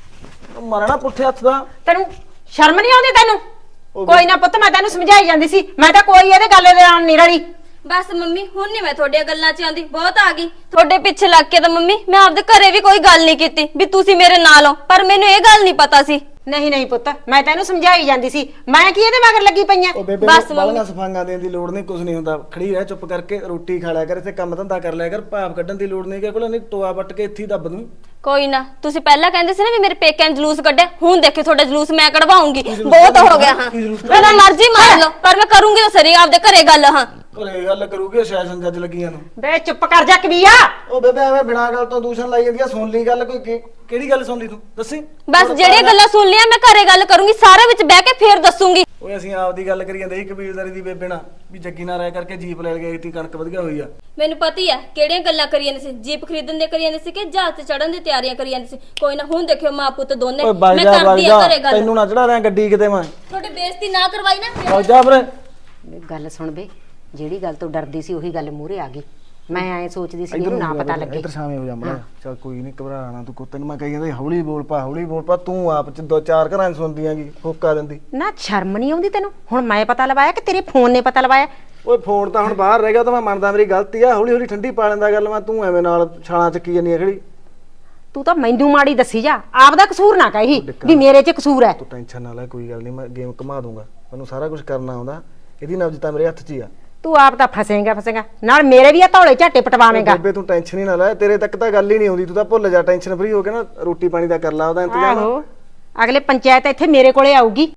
Speaker 1: ਮਾਰਨਾ ਪੁੱਠੇ ਹੱਥ ਦਾ।
Speaker 3: ਤੈਨੂੰ ਸ਼ਰਮ ਨਹੀਂ ਆਉਂਦੀ ਤੈਨੂੰ? ਕੋਈ ਨਾ ਪੁੱਤ, ਮੈਂ ਤੈਨੂੰ ਸਮਝਾਈ ਜਾਂਦੀ ਸੀ, ਮੈਂ ਤਾਂ ਕੋਈ ਇਹਦੇ ਗੱਲ ਦੇ ਨਾਲ ਨਹੀਂ ਰਲੀ।
Speaker 5: ਬਸ ਮੰਮੀ ਹੁਣ ਨਹੀਂ ਮੈਂ ਤੁਹਾਡੀਆਂ ਗੱਲਾਂ 'ਚ ਆਉਂਦੀ, ਬਹੁਤ ਆ ਗਈ ਤੁਹਾਡੇ ਪਿੱਛੇ ਲੱਗ ਕੇ। ਤਾਂ ਮੰਮੀ ਮੈਂ ਆਪਦੇ ਘਰੇ ਵੀ ਕੋਈ ਗੱਲ ਨਹੀਂ ਕੀਤੀ ਵੀ ਤੁਸੀਂ ਮੇਰੇ ਨਾਲ ਹੋ, ਪਰ ਮੈਨੂੰ ਇਹ ਗੱਲ ਨਹੀਂ ਪਤਾ ਸੀ।
Speaker 3: ਨਹੀਂ ਨਹੀਂ ਪੁੱਤ, ਮੈਂ ਤੈਨੂੰ ਸਮਝਾਈ ਜਾਂਦੀ ਸੀ, ਮੈਂ ਕੀ ਇਹਦੇ ਮਗਰ ਲੱਗੀ ਪਈਆਂ?
Speaker 1: ਉਹ ਬੇਬੇ
Speaker 5: ਬਸ
Speaker 1: ਬਾਲੀਆਂ ਸਫਾਈਆਂ ਦੇਣ ਦੀ ਲੋੜ ਨਹੀਂ, ਕੁਝ ਨਹੀਂ ਹੁੰਦਾ। ਖੜੀ ਰਹਿ ਚੁੱਪ ਕਰਕੇ, ਰੋਟੀ ਖਾ ਲਿਆ ਕਰ, ਇੱਥੇ ਕੰਮ ਧੰਦਾ ਕਰ ਲਿਆ ਕਰ, ਭਾਵ ਕੱਢਣ ਦੀ ਲੋੜ ਨਹੀਂ ਕਿ ਕੋਲ ਨਹੀਂ ਟੋਆ ਵੱਟ ਕੇ ਇੱਥੇ ਹੀ ਦੱਬ ਦੂੰ।
Speaker 5: ਕੋਈ ਨਾ, ਤੁਸੀਂ ਪਹਿਲਾਂ ਕਹਿੰਦੇ ਸੀ ਨਾ ਵੀ ਮੇਰੇ ਪੇਕਿਆਂ ਨੇ ਜਲੂਸ ਕੱਢਿਆ, ਹੁਣ ਦੇਖਿਓ ਤੁਹਾਡਾ ਜਲੂਸ ਮੈਂ ਕਢਵਾਉਂਗੀ। ਬਹੁਤ ਹੋ ਗਿਆ ਹਾਂ, ਮੇਰਾ ਮਰਜ਼ੀ ਮਾਰ ਲਓ, ਪਰ ਮੈਂ ਕਰੂੰਗੀ ਤਾਂ ਸਰੀ ਆਪਦੇ ਘਰੇ ਗੱਲ। ਹਾਂ
Speaker 1: ਘਰੇ ਗੱਲ ਕਰੂਗੀ ਸੈਸ਼ਨ ਜੱਜ ਲੱਗੀਆਂ ਨੂੰ।
Speaker 3: ਬੇ ਚੁੱਪ ਕਰ ਜਾ ਕਬੀਆ।
Speaker 1: ਉਹ ਬੇਬੇ ਐਵੇਂ ਬਿਨਾਂ ਗੱਲ ਤੋਂ ਦੂਸ਼ਣ ਲਾਈ ਜਾਂਦੀ ਆ। ਸੁਣ ਲਈ ਗੱਲ, ਕੋਈ ਕਿ- ਕਿਹੜੀ ਗੱਲ ਸੁਣ ਲਈ ਤੂੰ ਦੱਸੀ?
Speaker 5: ਬਸ ਜਿਹੜੀਆਂ ਗੱਲਾਂ ਸੁਣ ਲਿਆ ਮੈਂ ਘਰੇ ਗੱਲ ਕਰੂੰਗੀ, ਸਾਰੇ ਵਿੱਚ ਬਹਿ ਕੇ ਫੇਰ ਦੱਸੂੰਗੀ।
Speaker 1: ਓਏ ਅਸੀਂ ਆਪਦੀ ਗੱਲ ਕਰੀ ਜਾਂਦੇ ਸੀ ਕਬੀਲਦਾਰੀ ਦੀ ਬੇਬੇ ਨਾਲ, ਵੀ ਜੱਗੀ ਨਾਲ ਰਹਿ ਕਰਕੇ ਜੀਪ ਲੈ ਗਏ ਤੀ, ਕਣਕ ਵਧੀਆ ਹੋਈ ਆ।
Speaker 5: ਮੈਨੂੰ ਪਤਾ ਹੀ ਆ ਕਿਹੜੀਆਂ ਗੱਲਾਂ ਕਰੀ ਜਾਂਦੇ ਸੀ, ਜੀਪ ਖਰੀਦਣ ਦੇ ਕਰੀ ਜਾਂਦੇ ਸੀ ਕਿ ਜਹਾਜ਼ ਤੇ ਚੜਨ ਦੀ ਤਿਆਰੀਆਂ ਕਰੀ ਜਾਂਦੇ ਸੀ। ਕੋਈ ਨਾ ਹੁਣ ਦੇਖਿਓ ਮਾਂ ਪੁੱਤ ਦੋਨੇ
Speaker 1: ਓਏ
Speaker 5: ਮੈਂ
Speaker 1: ਬਾਈ ਜਾ ਬਾਈ
Speaker 5: ਕਰਦੀ ਆ
Speaker 1: ਜਾ,
Speaker 5: ਘਰੇ ਗੱਲ।
Speaker 1: ਤੈਨੂੰ ਨਾ ਚੜਾ ਰਿਆਂ ਗੱਡੀ ਕਿਤੇ ਮੈਂ।
Speaker 5: ਤੁਹਾਡੀ ਬੇਇੱਜ਼ਤੀ ਨਾ ਕਰਵਾਈ ਨਾ।
Speaker 1: ਬਾਈ ਜਾ ਵੀਰੇ।
Speaker 3: ਗੱਲ ਸੁਣ ਬੇ, ਜਿਹੜੀ ਗੱਲ ਤੋਂ ਡਰਦੀ ਸੀ ਉਹੀ ਗੱਲ ਮੂਹਰੇ ਆ ਗਈ। ਮੈਂ ਐ ਸੋਚਦੀ ਸੀ ਇਹਨੂੰ ਨਾ ਪਤਾ ਲੱਗੇ।
Speaker 1: ਇੱਧਰ ਸ਼ਾਮੇ ਹੋ ਜਾ ਮੜਾ। ਚੱਲ ਕੋਈ ਨਹੀਂ, ਘਬਰਾਣਾ ਤੂੰ। ਤੈਨੂੰ ਮੈਂ ਕਹੀ ਜਾਂਦਾ ਹੌਲੀ ਬੋਲ ਪਾ, ਹੌਲੀ ਬੋਲ ਪਾ। ਤੂੰ ਆਪ ਚ ਦੋ ਚਾਰ ਘਰਾਂ ਚ ਸੁਣਦੀ ਆਂਗੀ, ਹੋਕਾ ਦਿੰਦੀ।
Speaker 3: ਨਾ ਸ਼ਰਮ ਨਹੀਂ ਆਉਂਦੀ ਤੈਨੂੰ? ਹੁਣ ਮੈਂ ਪਤਾ ਲਵਾਇਆ ਕਿ ਤੇਰੇ ਫੋਨ ਨੇ ਪਤਾ ਲਵਾਇਆ?
Speaker 1: ਓਏ ਫੋਨ ਤਾਂ ਹੁਣ ਬਾਹਰ ਰਹਿ ਗਿਆ, ਤਾਂ ਮੈਂ ਮੰਨਦਾ ਮੇਰੀ ਗਲਤੀ ਆ। ਹੌਲੀ ਹੌਲੀ ਠੰਡੀ ਪਾ ਲੈਂਦਾ ਗੱਲ ਮੈਂ, ਤੂੰ ਐਵੇਂ ਨਾਲ ਛਾਲਾਂ ਚੱਕੀ ਜਾਂਦੀ ਆ ਖੜੀ।
Speaker 3: ਤੂੰ ਤਾਂ ਮੈਨੂੰ ਮਾੜੀ ਦੱਸੀ ਜਾ, ਆਪਦਾ ਕਸੂਰ ਨਾ ਕਹੀ ਵੀ ਮੇਰੇ 'ਚ ਕਸੂਰ ਹੈ।
Speaker 1: ਤੂੰ ਟੈਨਸ਼ਨ ਨਾ ਲੈ, ਕੋਈ ਗੱਲ ਨਹੀਂ, ਮੈਂ ਗੇਮ ਘੁਮਾ ਦੂੰਗਾ। ਮੈਨੂੰ ਸਾਰਾ ਕੁਝ ਕਰਨਾ ਆਉਂਦਾ, ਇਹਦੀ ਨਬਜ਼ ਤਾਂ ਮੇਰੇ ਹੱਥ 'ਚ ਹੀ ਆ।
Speaker 3: ਤੂੰ ਆਪ ਤਾਂ ਫਸੇਂਗਾ ਫਸੇਂਗਾ ਨਾਲ ਮੇਰੇ ਵੀ ਆ ਧੌਲੇ ਝਾਟੇ ਪਟਵਾਵੇਂਗਾ।
Speaker 1: ਬੇਬੇ ਤੂੰ ਟੈਨਸ਼ਨ ਹੀ ਨਾ ਲੈ, ਤੇਰੇ ਤੱਕ ਤਾਂ ਗੱਲ ਹੀ ਨਹੀਂ ਆਉਂਦੀ। ਤੂੰ ਤਾਂ ਭੁੱਲ ਜਾ, ਟੈਨਸ਼ਨ ਫਰੀ ਹੋ ਕੇ ਨਾ ਰੋਟੀ ਪਾਣੀ ਦਾ ਕਰ ਲਾ ਉਹਦਾ ਇੰਤਜ਼ਾਮ।
Speaker 3: ਆਹੋ ਅਗਲੇ ਪੰਚਾਇਤ ਇੱਥੇ ਮੇਰੇ ਕੋਲੇ ਆਊਗੀ,